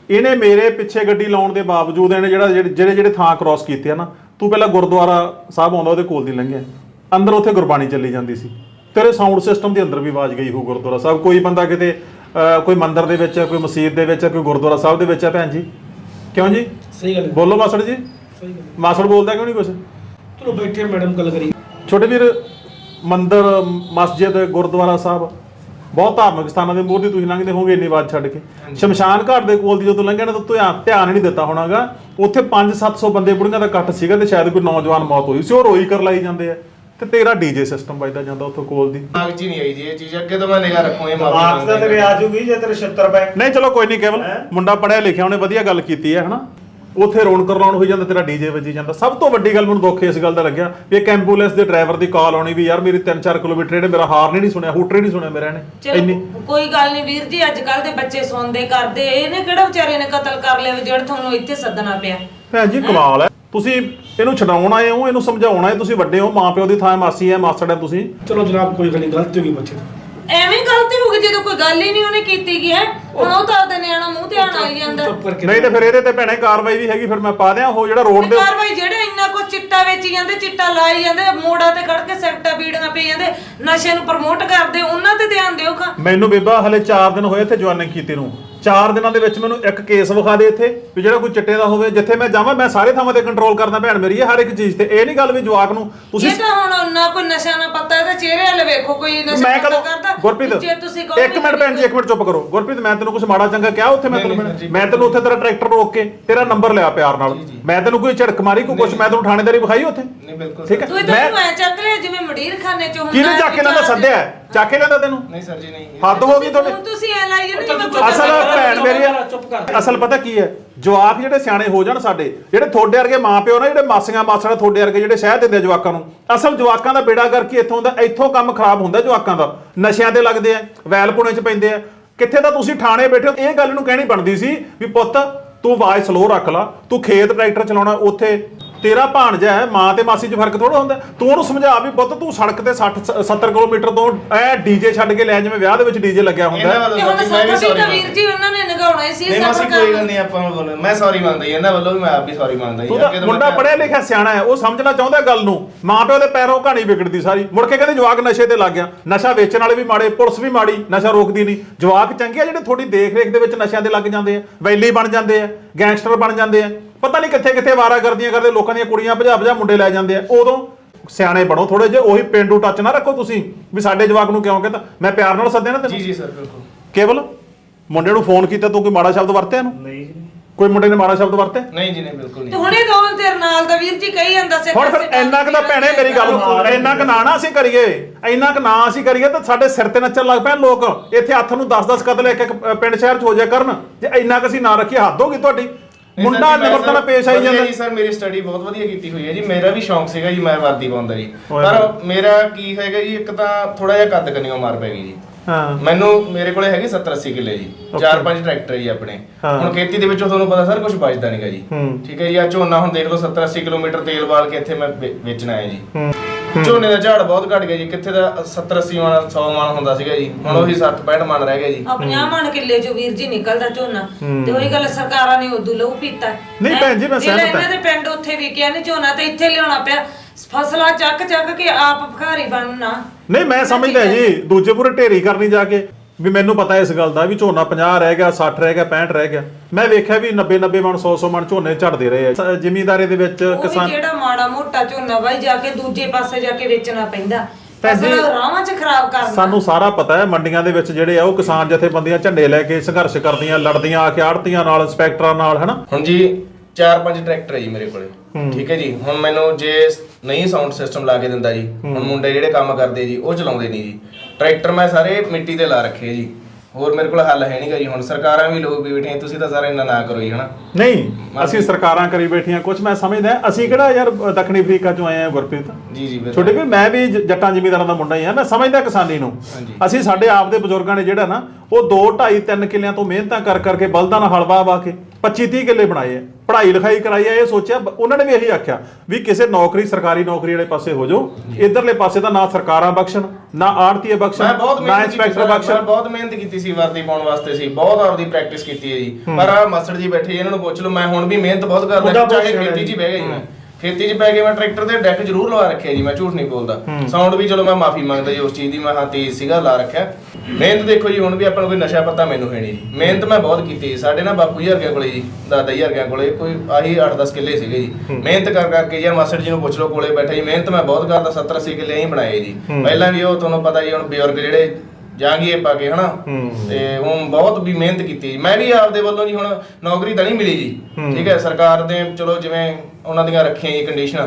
A: ਇਹਨੇ ਮੇਰੇ ਪਿੱਛੇ ਗੱਡੀ ਲਾਉਣ ਦੇ ਬਾਵਜੂਦ ਇਹਨੇ ਜਿਹੜੇ ਥਾਂ ਕ੍ਰਾਸ ਕੀਤੇ ਆ ਨਾ, ਤੂੰ ਪਹਿਲਾਂ ਗੁਰਦੁਆਰਾ ਸਾਹਿਬ ਆਉਂਦਾ ਉਹਦੇ ਕੋਲ ਦੀ ਲੰਘਿਆ, ਅੰਦਰ ਉੱਥੇ ਗੁਰਬਾਣੀ ਚੱਲੀ ਜਾਂਦੀ ਸੀ, ਤੇਰੇ ਸਾਊਂਡ ਸਿਸਟਮ ਦੇ ਅੰਦਰ ਵੀ ਆਵਾਜ਼ ਗਈ ਹੋ ਗੁਰਦੁਆਰਾ ਸਾਹਿਬ। ਕੋਈ ਬੰਦਾ ਕਿਤੇ ਕੋਈ ਮੰਦਿਰ ਦੇ ਵਿੱਚ ਹੈ, ਕੋਈ ਮਸਜਿਦ ਦੇ ਵਿੱਚ ਹੈ, ਕੋਈ ਗੁਰਦੁਆਰਾ ਸਾਹਿਬ ਦੇ ਵਿੱਚ ਹੈ ਭੈਣ ਜੀ, ਕਿਉਂ ਜੀ?
G: ਸਹੀ ਗੱਲ
A: ਬੋਲੋ ਮਾਸੜ ਜੀ।
G: ਸਹੀ ਗੱਲ
A: ਮਾਸੜ ਬੋਲਦਾ ਕਿਉਂ ਨਹੀਂ ਕੁਛ?
G: ਚਲੋ ਬੈਠੇ ਮੈਡਮ ਗੱਲ ਕਰੀ।
A: ਛੋਟੇ ਵੀਰ, ਮੰਦਿਰ, ਮਸਜਿਦ, ਗੁਰਦੁਆਰਾ ਸਾਹਿਬ, ਬਹੁਤ ਧਾਰਮਿਕ ਸਥਾਨਾਂ ਦੇ ਮੂਹਰੇ ਤੁਸੀਂ ਲੰਘਦੇ ਹੋਗੇ ਇੰਨੀ ਆਵਾਜ਼ ਛੱਡ ਕੇ। ਸ਼ਮਸ਼ਾਨ ਘਾਟ ਦੇ ਕੋਲ ਦੀ ਜਦੋਂ ਲੰਘਿਆ ਨਾ ਤਾਂ ਧਿਆਨ ਨਹੀਂ ਦਿੱਤਾ ਹੋਣਾਗਾ, ਉੱਥੇ 500-700 ਬੰਦੇ ਬੁੜੀਆਂ ਦਾ ਇਕੱਠ ਸੀਗਾ ਤੇ ਸ਼ਾਇਦ ਕੋਈ ਨੌਜਵਾਨ ਮੌਤ ਹੋਈ ਸੀ, ਉਹ ਰੋਈ ਕਰ ਲਾਈ ਜਾਂਦੇ ਆ ਤੇ ਤੇਰਾ ਡੀਜੇ ਸਿਸਟਮ ਵੱਜਦਾ ਜਾਂਦਾ ਉੱਥੋਂ ਕੋਲ ਦੀ।
B: ਦਿਮਾਗ 'ਚ ਹੀ ਨਹੀਂ ਆਈ ਜੀ ਇਹ ਚੀਜ਼, ਅੱਗੇ ਤੋਂ ਮੈਂ ਨਿਗਾਹ ਰੱਖੂੰ ਇਹ
C: ਮਾਰਕਸ ਦਾ ਤੇਰੇ ਆ ਜੂਗੀ ਜੇ ਤੇਰੇ 76 ਰੁਪਏ।
A: ਨਹੀਂ ਚਲੋ ਕੋਈ ਨਹੀਂ, ਕੇਵਲ ਮੁੰਡਾ ਪੜਿਆ ਲਿਖਿਆ, ਉਹਨੇ ਵਧੀਆ ਗੱਲ ਕੀਤੀ ਹੈ ਹਨਾ, ਉੱਥੇ ਰੌਣਕ ਰਲਾਉਣ ਹੋਈ ਜਾਂਦਾ, ਤੇਰਾ ਡੀਜੇ ਵੱਜੀ ਜਾਂਦਾ। ਸਭ ਤੋਂ ਵੱਡੀ ਗੱਲ ਮੈਨੂੰ ਦੁੱਖ ਇਸ ਗੱਲ ਦਾ ਲੱਗਿਆ ਵੀ ਇੱਕ ਐਂਬੂਲੈਂਸ ਦੇ ਡਰਾਈਵਰ ਦੀ ਕਾਲ ਆਉਣੀ ਵੀ ਯਾਰ ਮੇਰੀ 3-4 ਕਿਲੋਮੀਟਰ ਇਹਨੇ ਮੇਰਾ ਹਾਰਨ ਹੀ ਨਹੀਂ ਸੁਣਿਆ, ਹੂਟਰ ਹੀ ਨਹੀਂ ਸੁਣਿਆ ਮੇਰਾ ਇਹਨੇ। ਇੰਨੀ
F: ਚਲੋ ਕੋਈ ਗੱਲ ਨਹੀਂ ਵੀਰ ਜੀ, ਅੱਜ ਕੱਲ ਦੇ ਬੱਚੇ ਸੁਣਦੇ ਕਰਦੇ, ਇਹਨੇ ਕਿਹੜਾ ਵਿਚਾਰੇ ਨੇ ਕਤਲ ਕਰ ਲਿਆ ਵੀ ਜਿਹੜਾ ਤੁਹਾਨੂੰ ਇੱਥੇ ਸੱਦਣਾ ਪਿਆ।
A: ਭੈਣ ਜੀ ਕਮਾਲ ਹੈ, ਤੁਸੀਂ ਇਹਨੂੰ ਛਡਾਉਣ ਆਏ ਹੋ, ਇਹਨੂੰ ਸਮਝਾਉਣ ਆਏ, ਤੁਸੀਂ ਵੱਡੇ ਹੋ, ਮਾਂ ਪਿਓ ਦੀ ਥਾਂ ਮਾਸੀ ਹੈ, ਮਾਸੜ ਹੈ ਤੁਸੀਂ।
G: ਚਲੋ ਜਨਾਬ ਕੋਈ ਗੱਲ ਨਹੀਂ, ਗਲਤੀ ਹੋ ਗਈ ਬੱਚੇ ਤੋਂ।
F: ਐਵੇਂ ਗਲਤੀ ਹੋ ਗਈ ਜਦੋਂ ਕੋਈ ਗੱਲ ਹੀ ਨਹੀਂ ਉਹਨੇ ਕੀਤੀ ਗਈ ਹੈ। ਹੁਣ ਉਹ ਤਾਂ ਆਪਦੇ ਨਿਆਣਾ ਮੂੰਹ ਤੇ ਆਣ ਆਈ ਜਾਂਦਾ।
G: ਚੁੱਪ ਕਰਕੇ
A: ਨਹੀਂ ਤੇ ਫਿਰ ਇਹਦੇ ਤੇ ਭੈਣੇ ਕਾਰਵਾਈ ਵੀ ਹੈਗੀ, ਫਿਰ ਮੈਂ ਪਾ ਦਿਆਂ ਉਹ ਜਿਹੜਾ ਰੋਡ ਦੇ
F: ਕਾਰਵਾਈ ਜਿਹੜੇ ਇੰਨਾ ਕੁ ਚਿੱਟਾ ਵੇਚੀ ਜਾਂਦੇ, ਚਿੱਟਾ ਲਾਈ ਜਾਂਦੇ, ਮੋੜਾਂ ਤੇ ਖੜ ਕੇ ਸੈਕਟਾ ਬੀੜੀਆਂ ਪਈ ਜਾਂਦੇ, ਨਸ਼ੇ ਨੂੰ ਪ੍ਰਮੋਟ ਕਰਦੇ, ਉਹਨਾਂ ਤੇ ਧਿਆਨ ਦਿਓ ਖਾਂ।
A: ਮੈਨੂੰ ਬੀਬਾ ਹਲੇ 4 ਦਿਨ ਹੋਏ ਇੱਥੇ ਜੁਆਇਨਿੰਗ ਕੀਤੀ ਨੂੰ, 4 ਦਿਨਾਂ ਦੇ ਵਿੱਚ ਮੈਨੂੰ ਇੱਕ ਕੇਸ ਵਿਖਾ ਦੇ ਇੱਥੇ ਵੀ ਜਿਹੜਾ ਕੋਈ ਚਿੱਟੇ ਦਾ ਹੋਵੇ। ਜਿੱਥੇ ਮੈਂ ਜਾਵਾਂ ਮੈਂ ਸਾਰੇ ਥਾਵਾਂ ਤੇ ਕੰਟਰੋਲ ਕਰਦਾ ਭੈਣ ਮੇਰੀ, ਹਰ ਇੱਕ ਚੀਜ਼ ਤੇ। ਇਹ ਨਹੀਂ ਗੱਲ ਵੀ ਜਵਾਕ ਨੂੰ ਤੁਸੀਂ
F: ਇਹ ਤਾਂ ਹੁਣ ਨਾ ਕੋਈ ਨਸ਼ਾ ਨਾ ਪਤਾ, ਇਹਦੇ ਚਿਹਰੇ ਵਾਲੇ ਵੇਖੋ ਕੋਈ ਨਸ਼ਾ
A: ਮੈਂ
F: ਪਤਾ
A: ਕਦੋਂ
F: ਕਰਦਾ।
A: ਗੁਰਪ੍ਰੀਤ
F: ਜੇ ਤੁਸੀਂ ਕਹੋ
A: ਇੱਕ ਮਿੰਟ ਭੈਣ ਜੀ, ਇੱਕ ਮਿੰਟ ਚੁੱਪ ਕਰੋ। ਗੁਰਪ੍ਰੀਤ ਮੈਂ ਤੈਨੂੰ ਕੁਝ ਮਾੜਾ ਚੰਗਾ ਕਿਹਾ ਉੱਥੇ? ਮੈਂ ਤੈਨੂੰ ਉੱਥੇ ਤੇਰਾ ਟਰੈਕਟਰ ਰੋਕ ਕੇ ਤੇਰਾ ਨੰਬਰ ਲਿਆ ਪਿਆਰ ਨਾਲ, ਮੈਂ ਤੈਨੂੰ ਕੋਈ ਝੜਕ ਮਾਰੀ ਕੋਈ ਕੁਝ, ਮੈਂ ਤੈਨੂੰ ਥਾਣੇਦਾਰੀ ਵਿਖਾਈ ਉੱਥੇ?
B: ਨਹੀਂ ਬਿਲਕੁਲ
A: ਠੀਕ ਹੈ।
F: ਤੂੰ ਤਾਂ ਚੱਕ ਲਿਆ ਜਿਵੇਂ ਮਡੀਰ ਖਾਨੇ ਚ ਹੁੰਦਾ।
A: ਕਿਹਨੇ ਚੱਕ ਕੇ ਲੈਂਦਾ? ਸੱਦਿਆ ਚੱਕ ਕੇ ਲੈਂਦਾ ਤੈਨੂੰ?
B: ਨਹੀਂ ਸਰ ਜੀ ਨਹੀਂ।
A: ਹੱਦ ਹੋ ਗਈ ਤੁਹਾਡੇ।
F: ਹੁਣ ਤੁਸੀਂ ਐ ਲਾਈ ਜਾਂਦੇ ਜਿਵੇਂ
A: ਅਸਲ ਭੈਣ ਮੇਰੀ ਅਸਲ ਪਤਾ ਕੀ ਹੈ, ਜਵਾਕ ਜਿਹੜੇ ਸਿਆਣੇ ਹੋ ਜਾਣ ਸਾਡੇ, ਜਿਹੜੇ ਤੁਹਾਡੇ ਵਰਗੇ ਮਾਂ ਪਿਓ ਨਾ, ਜਿਹੜੇ ਮਾਸੀਆਂ ਮਾਸੜਾ ਤੁਹਾਡੇ ਵਰਗੇ ਜਿਹੜੇ ਸ਼ਹਿ ਦਿੰਦੇ ਜਵਾਕਾਂ ਨੂੰ, ਅਸਲ ਜਵਾਕਾਂ ਦਾ ਬੇੜਾ ਕਰਕੇ ਇੱਥੋਂ ਦਾ ਇੱਥੋਂ ਕੰਮ ਖਰਾਬ ਹੁੰਦਾ ਜਵਾਕਾਂ ਦਾ। ਨਸ਼ਿਆਂ ਤੇ ਲੱਗਦੇ ਆ, ਵੈਲ ਪੁਣੇ ਚ ਪੈਂਦੇ ਆ। ਕਿੱਥੇ ਤਾਂ ਤੁਸੀਂ ਥਾਣੇ ਬੈਠੇ ਹੋ, ਇਹ ਗੱਲ ਨੂੰ ਕਹਿਣੀ ਬਣਦੀ ਸੀ ਵੀ ਪੁੱਤ ਤੂੰ ਆਵਾਜ਼ ਸਲੋ ਰੱਖ ਲਾ, ਤੂੰ ਖੇਤ ਟਰੈਕਟਰ ਚਲਾਉਣਾ, ਉੱਥੇ ਤੇਰਾ ਭਾਣਜਾ ਹੈ, ਮਾਂ ਤੇ ਮਾਸੀ 'ਚ ਫਰਕ ਥੋੜਾ ਹੁੰਦਾ। ਤੂੰ ਉਹਨੂੰ ਸਮਝਾ ਵੀ ਪੁੱਤ ਤੂੰ ਸੜਕ ਤੇ 60-70 ਕਿਲੋਮੀਟਰ ਤੋਂ ਐ ਡੀਜੇ ਛੱਡ ਕੇ ਲੈ, ਜਿਵੇਂ ਵਿਆਹ ਦੇ ਵਿੱਚ ਡੀਜੇ ਲੱਗਿਆ ਹੁੰਦਾ।
F: ਹੁਣ ਸਭ ਵੀਰ ਜੀ ਉਹਨਾਂ ਨੇ ਨਗਾਉਣਾ ਸੀ
B: ਨਹੀਂ ਮਾਸੀ ਕੋਈ ਗੱਲ ਨਹੀਂ, ਆਪਾਂ ਨੂੰ ਬੋਲੋ, ਮੈਂ ਸੌਰੀ ਮੰਗਦਾ ਜੀ ਇਹਨਾਂ ਵੱਲੋਂ ਵੀ, ਮੈਂ ਆਪ ਵੀ ਸੌਰੀ ਮੰਗਦਾ ਜੀ।
A: ਤੂੰ ਮੁੰਡਾ ਪੜਿਆ ਲਿਖਿਆ ਸਿਆਣਾ ਹੈ, ਉਹ ਸਮਝਣਾ ਚਾਹੁੰਦਾ ਗੱਲ ਨੂੰ। ਮਾਂ ਪਿਓ ਦੇ ਪੈਰੋਂ ਕਹਾਣੀ ਵਿਗੜਦੀ ਸਾਰੀ, ਮੁੜ ਕੇ ਕਹਿੰਦੇ ਜਵਾਕ ਨਸ਼ੇ ਤੇ ਲੱਗ ਗਿਆ। ਨਸ਼ਾ ਵੇਚਣ ਵਾਲੇ ਵੀ ਮਾੜੇ, ਪੁਲਿਸ ਵੀ ਮਾੜੀ, ਨਸ਼ਾ ਰੋਕਦੀ ਨਹੀਂ। ਜਵਾਕ ਚੰਗੇ ਆ ਜਿਹੜੇ ਤੁਹਾਡੀ ਦੇਖ ਰੇਖ ਦੇ ਵਿੱਚ ਨਸ਼ਿਆਂ ਦੇ ਲੱਗ ਜਾਂਦੇ ਆ, ਵੈਲੀ ਬਣ ਜਾਂਦੇ ਆ, ਗੈਂਗਸਟਰ ਬਣ ਜਾਂਦੇ ਆ, ਪਤਾ ਨਹੀਂ ਕਿੱਥੇ ਕਿੱਥੇ ਵਾਰਾ ਕਰਦੀਆਂ ਕਰਦੇ, ਲੋਕਾਂ ਦੀਆਂ ਕੁੜੀਆਂ ਭਜਾ ਮੁੰਡੇ ਲੈ ਜਾਂਦੇ ਆ। ਉਦੋਂ ਸਿਆਣੇ ਬਣੋ ਥੋੜੇ ਜਿਹੇ, ਉਹੀ ਪਿੰਡੂ ਟੱਚ ਨਾ ਰੱਖੋ ਤੁਸੀਂ ਵੀ ਸਾਡੇ ਜਵਾਕ ਨੂੰ ਕਿਉਂ ਕਹਿੰਦਾ। ਮੈਂ ਪਿਆਰ ਨਾਲ ਸੱਦਿਆ ਨਾ ਤੈਨੂੰ।
B: ਜੀ ਸਰ ਬਿਲਕੁਲ।
A: ਕੇਵਲ ਮੁੰਡੇ ਨੂੰ ਫੋਨ ਕੀਤਾ, ਤੂੰ ਕੋਈ ਮਾੜਾ ਸ਼ਬਦ ਵਰਤਿਆ ਇਹਨੂੰ?
C: ਨਹੀਂ
A: ਕੋਈ ਮੁੰਡੇ ਨੇ ਮਾੜਾ ਸ਼ਬਦ ਵਰਤਿਆ?
B: ਨਹੀਂ ਜੀ ਨਹੀਂ ਬਿਲਕੁਲ
F: ਤੇ
B: ਨਹੀਂ।
F: ਹੁਣੇ ਦੋਵਾਂ ਤੇਰੇ ਨਾਲ ਦਾ ਵੀਰ ਜੀ ਕਹੀ ਜਾਂਦਾ ਸੀ।
A: ਹੁਣ ਫਿਰ ਇੰਨਾ ਕੁ ਤਾਂ ਭੈਣੇ ਮੇਰੀ ਗੱਲ, ਇੰਨਾ ਕੁ ਨਾ ਅਸੀਂ ਕਰੀਏ, ਇੰਨਾ ਕੁ ਨਾ ਅਸੀਂ ਕਰੀਏ ਤਾਂ ਸਾਡੇ ਸਿਰ ਤੇ ਨੱਚਣ ਲੱਗ ਪੈਣ ਲੋਕ। ਇੱਥੇ ਹੱਥ ਨੂੰ 10-10 ਕਤਲ ਇੱਕ ਪਿੰਡ ਸ਼ਹਿਰ 'ਚ ਹੋ ਜਾਇਆ ਕਰਨ, ਜੇ ਇੰਨਾ ਕੁ ਅਸੀਂ ਨਾ ਰੱਖੀਏ ਹੱਦ ਹੋ ਗਈ ਤੁਹਾਡੀ। ਮੁੰਡਾ ਨਿਮਰਤਾ ਨਾਲ ਪੇਸ਼ ਆਈ ਜਾਂਦਾ
B: ਜੀ ਸਰ। ਮੇਰੀ ਸਟੱਡੀ ਬਹੁਤ ਵਧੀਆ ਕੀਤੀ ਹੋਈ ਹੈ ਜੀ, ਮੇਰਾ ਵੀ ਸ਼ੌਂਕ ਸੀਗਾ ਜੀ, ਮੈਂ ਵਰਦੀ ਪਾਉਂਦਾ ਜੀ। ਪਰ ਮੇਰਾ ਕੀ ਹੈਗਾ ਜੀ, ਇੱਕ ਤਾਂ ਥੋੜਾ ਜਿਹਾ ਕੱਦ ਕੰਨੀਓ ਮਾਰ ਪੈ ਗਈ ਜੀ।
A: ਹਾਂ
B: ਮੈਨੂੰ ਮੇਰੇ ਕੋਲੇ ਹੈਗੇ 70-80 ਕਿੱਲੇ ਜੀ, 4-5 ਟਰੈਕਟਰ ਜੀ ਆਪਣੇ। ਹੁਣ ਖੇਤੀ ਦੇ ਵਿੱਚੋਂ ਤੁਹਾਨੂੰ ਪਤਾ ਸਰ ਕੁਝ ਬਚਦਾ ਨਹੀਂਗਾ ਜੀ। ਠੀਕ ਹੈ ਜੀ। ਆ ਝੋਨਾ ਹੁਣ ਦੇਖ ਲਓ 70-80 ਕਿਲੋਮੀਟਰ ਤੇਲ ਬਾਲ ਕੇ ਇੱਥੇ ਮੈਂ ਵੇਚਣਾ ਹੈ ਜੀ। ਝੋਨੇ ਦਾ ਝਾੜ ਬਹੁਤ ਘਟ ਗਿਆ ਜੀ, ਕਿੱਥੇ ਦਾ 70-80 ਮਣ 100 ਮਣ ਹੁੰਦਾ ਸੀਗਾ ਜੀ, ਹੁਣ ਉਹੀ 60-65 ਮਣ ਰਹਿ ਗਿਆ ਜੀ।
F: 50 ਮਣ ਕਿੱਲੇ ਚੋਂ ਵੀਰ ਜੀ ਨਿਕਲਦਾ ਝੋਨਾ। ਤੇ ਉਹੀ ਗੱਲ ਸਰਕਾਰਾਂ ਨੇ ਉਦੋਂ ਲਹੂ ਪੀਤਾ।
A: ਨਹੀਂ ਭੈਣ ਜੀ ਮੈਂ ਸਹਿਮਤ ਹਾਂ।
F: ਇਹਨਾਂ ਦੇ ਪਿੰਡ ਉੱਥੇ ਵਿਕਿਆ ਨਹੀਂ ਝੋਨਾ ਤੇ ਇੱਥੇ ਲਿਆਉਣਾ ਪਿਆ ਫਸਲਾਂ ਚੱਕ ਕੇ ਆਪ ਭਿਖਾਰੀ ਬਣਨਾ।
A: ਨਹੀਂ ਮੈਂ ਸਮਝਦਾ ਜੀ, ਦੂਜੇ ਪੂਰੇ ਢੇਰੀ ਕਰਨੀ ਜਾ ਕੇ ਵੀ ਮੈਨੂੰ ਪਤਾ ਇਸ ਗੱਲ ਦਾ ਵੀ ਝੋਨਾ 50 ਰਹਿ ਗਿਆ, 60 ਰਹਿ ਗਿਆ, 65 ਰਹਿ ਗਿਆ। ਮੈਂ ਵੇਖਿਆ ਵੀ 90-90 ਮਣ 100-100 ਮਣ ਝੋਨੇ ਝੜਦੇ ਰਹੇ ਆ ਜ਼ਿਮੀਂਦਾਰੀ ਦੇ ਵਿੱਚ।
F: ਕਿਸਾਨ ਜਿਹੜਾ ਮਾੜਾ ਮੋਟਾ ਝੋਨਾ ਬਾਈ ਜਾ ਕੇ ਦੂਜੇ ਪਾਸੇ ਜਾ ਕੇ ਵੇਚਣਾ ਪੈਂਦਾ, ਫਸਲ ਰਾਵਾਂ 'ਚ ਖਰਾਬ ਕਰਨਾ।
A: ਸਾਨੂੰ ਸਾਰਾ ਪਤਾ ਹੈ ਮੰਡੀਆਂ ਦੇ ਵਿੱਚ ਜਿਹੜੇ ਆ ਉਹ ਕਿਸਾਨ ਜਥੇਬੰਦੀਆਂ ਝੰਡੇ ਲੈ ਕੇ ਸੰਘਰਸ਼ ਕਰਦੀਆਂ, ਲੜਦੀਆਂ ਆ ਕੇ ਆੜਤੀਆਂ ਨਾਲ, ਇੰਸਪੈਕਟਰਾਂ ਨਾਲ, ਹਨਾ।
B: ਹੁਣ ਜੀ 4-5 ਟਰੈਕਟਰ ਹੈ ਜੀ ਮੇਰੇ ਕੋਲੇ। ਠੀਕ ਹੈ ਜੀ। ਹੁਣ ਮੈਨੂੰ ਜੇ ਨਹੀਂ ਸਾਊਂਡ ਸਿਸਟਮ ਲਾ ਕੇ ਦਿੰਦਾ ਜੀ, ਹੁਣ ਮੁੰਡੇ ਜਿਹੜੇ ਕੰਮ ਕਰਦੇ ਜੀ ਉਹ ਚਲਾਉਂਦੇ ਨਹੀਂ ਜੀ। ਟਰੈਕਟਰ ਮੈਂ ਸਾਰੇ ਮਿੱਟੀ ਦੇ ਲਾ ਰੱਖੇ ਜੀ, ਹੋਰ ਮੇਰੇ ਕੋਲ ਹੱਲ ਹੈ ਨਹੀਂਗਾ ਜੀ। ਹੁਣ ਸਰਕਾਰਾਂ ਵੀ ਲੋਕ ਵੀ ਬੈਠੀਆਂ, ਤੁਸੀਂ ਤਾਂ ਸਾਰੇ ਇੰਨਾ ਨਾ ਕਰੋ ਜੀ, ਹਨਾ।
A: ਨਹੀਂ ਅਸੀਂ ਸਰਕਾਰਾਂ ਕਰੀ ਬੈਠੀਆਂ ਕੁਝ, ਮੈਂ ਸਮਝਦਾ ਅਸੀਂ ਕਿਹੜਾ ਯਾਰ ਦੱਖਣੀ ਅਫਰੀਕਾ ਚੋਂ ਆਏ ਆ ਗੁਰਪ੍ਰੀਤ।
B: ਜੀ ਜੀ
A: ਛੋਟੇ ਵੀ ਮੈਂ ਵੀ ਜੱਟਾਂ ਜ਼ਿਮੀਂਦਾਰਾਂ ਦਾ ਮੁੰਡਾ ਹੀ ਆ, ਮੈਂ ਸਮਝਦਾ ਕਿਸਾਨੀ ਨੂੰ। ਅਸੀਂ ਸਾਡੇ ਆਪ ਦੇ ਬਜ਼ੁਰਗਾਂ ਨੇ ਜਿਹੜਾ ਨਾ ਉਹ 2 2.5 3 ਕਿੱਲਿਆਂ ਤੋਂ ਮਿਹਨਤਾਂ ਕਰ ਕਰਕੇ ਬਲਦਾਂ ਨਾਲ ਹਲ ਵਾਹ ਕੇ 25 30 ਕਿੱਲੇ ਬਣਾਏ ਆ, ਪੜ੍ਹਾਈ ਲਿਖਾਈ ਕਰਾਈ ਆ। ਇਹ ਸੋਚਿਆ ਉਹਨਾਂ ਨੇ ਵੀ ਇਹੀ ਆਖਿਆ ਵੀ ਕਿਸੇ ਨੌਕਰੀ ਸਰਕਾਰੀ ਨੌਕਰੀ ਵਾਲੇ ਪਾਸੇ ਹੋ ਜਾਓ, ਇਧਰਲੇ ਪਾਸੇ ਤਾਂ ਨਾ ਸਰਕਾਰਾਂ ਬਖਸ਼ਣ, ਨਾ ਆੜਤੀਏ
B: ਮੈਂ
A: ਬਖਸ਼ਣ,
B: ਬਹੁਤ
A: ਨਾ
B: ਮਿਹਨਤ ਕੀਤੀ
A: ਇੰਸਪੈਕਟਰ
B: ਸਰ, ਮੈਂ
A: ਬਖਸ਼ਣ।
B: ਬਹੁਤ ਮਿਹਨਤ ਕੀਤੀ ਸੀ ਵਰਦੀ ਪਾਉਣ ਵਾਸਤੇ ਸੀ, ਬਹੁਤ ਆਪਦੀ ਪ੍ਰੈਕਟਿਸ ਕੀਤੀ ਹੈ ਜੀ। ਪਰ ਆ ਮਸੜ ਜੀ ਬੈਠੇ ਇਹਨਾਂ ਨੂੰ ਪੁੱਛ ਲਓ, ਮੈਂ ਹੁਣ ਵੀ ਮਿਹਨਤ ਬਹੁਤ
C: ਮੁੰਡਾ
B: ਕਰਦਾ,
C: ਬਹੁਤ
B: ਚਾਹੇ
C: ਸਿਆਣਾ
B: ਖੇਤੀ 'ਚ ਹੀ
C: ਜੀ।
B: ਬਹਿ ਗਿਆ ਜੀ। ਮੈਂ ਖੇਤੀ 'ਚ ਪੈ ਕੇ ਮੈਂ ਟਰੈਕਟਰ ਦੇ ਡੈਕ ਜ਼ਰੂਰ ਲਵਾ ਰੱਖਿਆ ਜੀ, ਮੈਂ ਝੂਠ ਨਹੀਂ ਬੋਲਦਾ। ਸਾਊਂਡ ਵੀ ਚਲੋ ਮੈਂ ਮਾਫੀ ਮੰਗਦਾ ਜੀ ਉਸ ਚੀਜ਼ ਦੀ, ਮੈਂ ਹਾਂ ਤੇਜ਼ ਸੀਗਾ ਲਾ ਰੱਖਿਆ। ਮਿਹਨਤ ਦੇਖੋ ਜੀ, ਹੁਣ ਵੀ ਆਪਾਂ ਨੂੰ ਕੋਈ ਨਸ਼ਾ ਪਤਾ ਮੈਨੂੰ ਹੈ ਨਹੀਂ ਜੀ, ਮਿਹਨਤ ਮੈਂ ਬਹੁਤ ਕੀਤੀ। ਸਾਡੇ ਨਾ ਬਾਪੂ ਜੀ ਵਰਗਿਆਂ ਕੋਲੇ ਜੀ, ਦਾਦਾ ਜੀ ਵਰਗਿਆਂ ਕੋਲੇ ਕੋਈ ਆਹੀ 8-10 ਕਿੱਲੇ ਸੀਗੇ ਜੀ। ਮਿਹਨਤ ਕਰ ਕਰਕੇ ਯਾਰ ਮਾਸਟਰ ਜੀ ਨੂੰ ਪੁੱਛ ਲਓ, ਕੋਲੇ ਬੈਠੇ ਜੀ, ਮਿਹਨਤ ਮੈਂ ਬਹੁਤ ਕਰਦਾ। 70-80 ਕਿੱਲੇ ਹੀ ਬਣਾਏ ਜੀ। ਪਹਿਲਾਂ ਵੀ ਉਹ ਤੁਹਾਨੂੰ ਪਤਾ ਜੀ, ਹੁਣ ਬਜ਼ੁਰਗ ਜਿਹੜੇ ਜਾਂਗੀਏ ਪਾ ਕੇ ਹਨਾ, ਤੇ ਉਹ ਬਹੁਤ ਵੀ ਮਿਹਨਤ ਕੀਤੀ। ਮੈਂ ਵੀ ਆਪਦੇ ਵੱਲੋਂ ਜੀ, ਹੁਣ ਨੌਕਰੀ ਤਾਂ ਨਹੀਂ ਮਿਲੀ ਜੀ, ਠੀਕ ਹੈ, ਸਰਕਾਰ ਦੇ ਚਲੋ ਜਿਵੇਂ ਉਹਨਾਂ ਦੀਆਂ ਰੱਖੀਆਂ ਜੀ ਕੰਡੀਸ਼ਨਾਂ,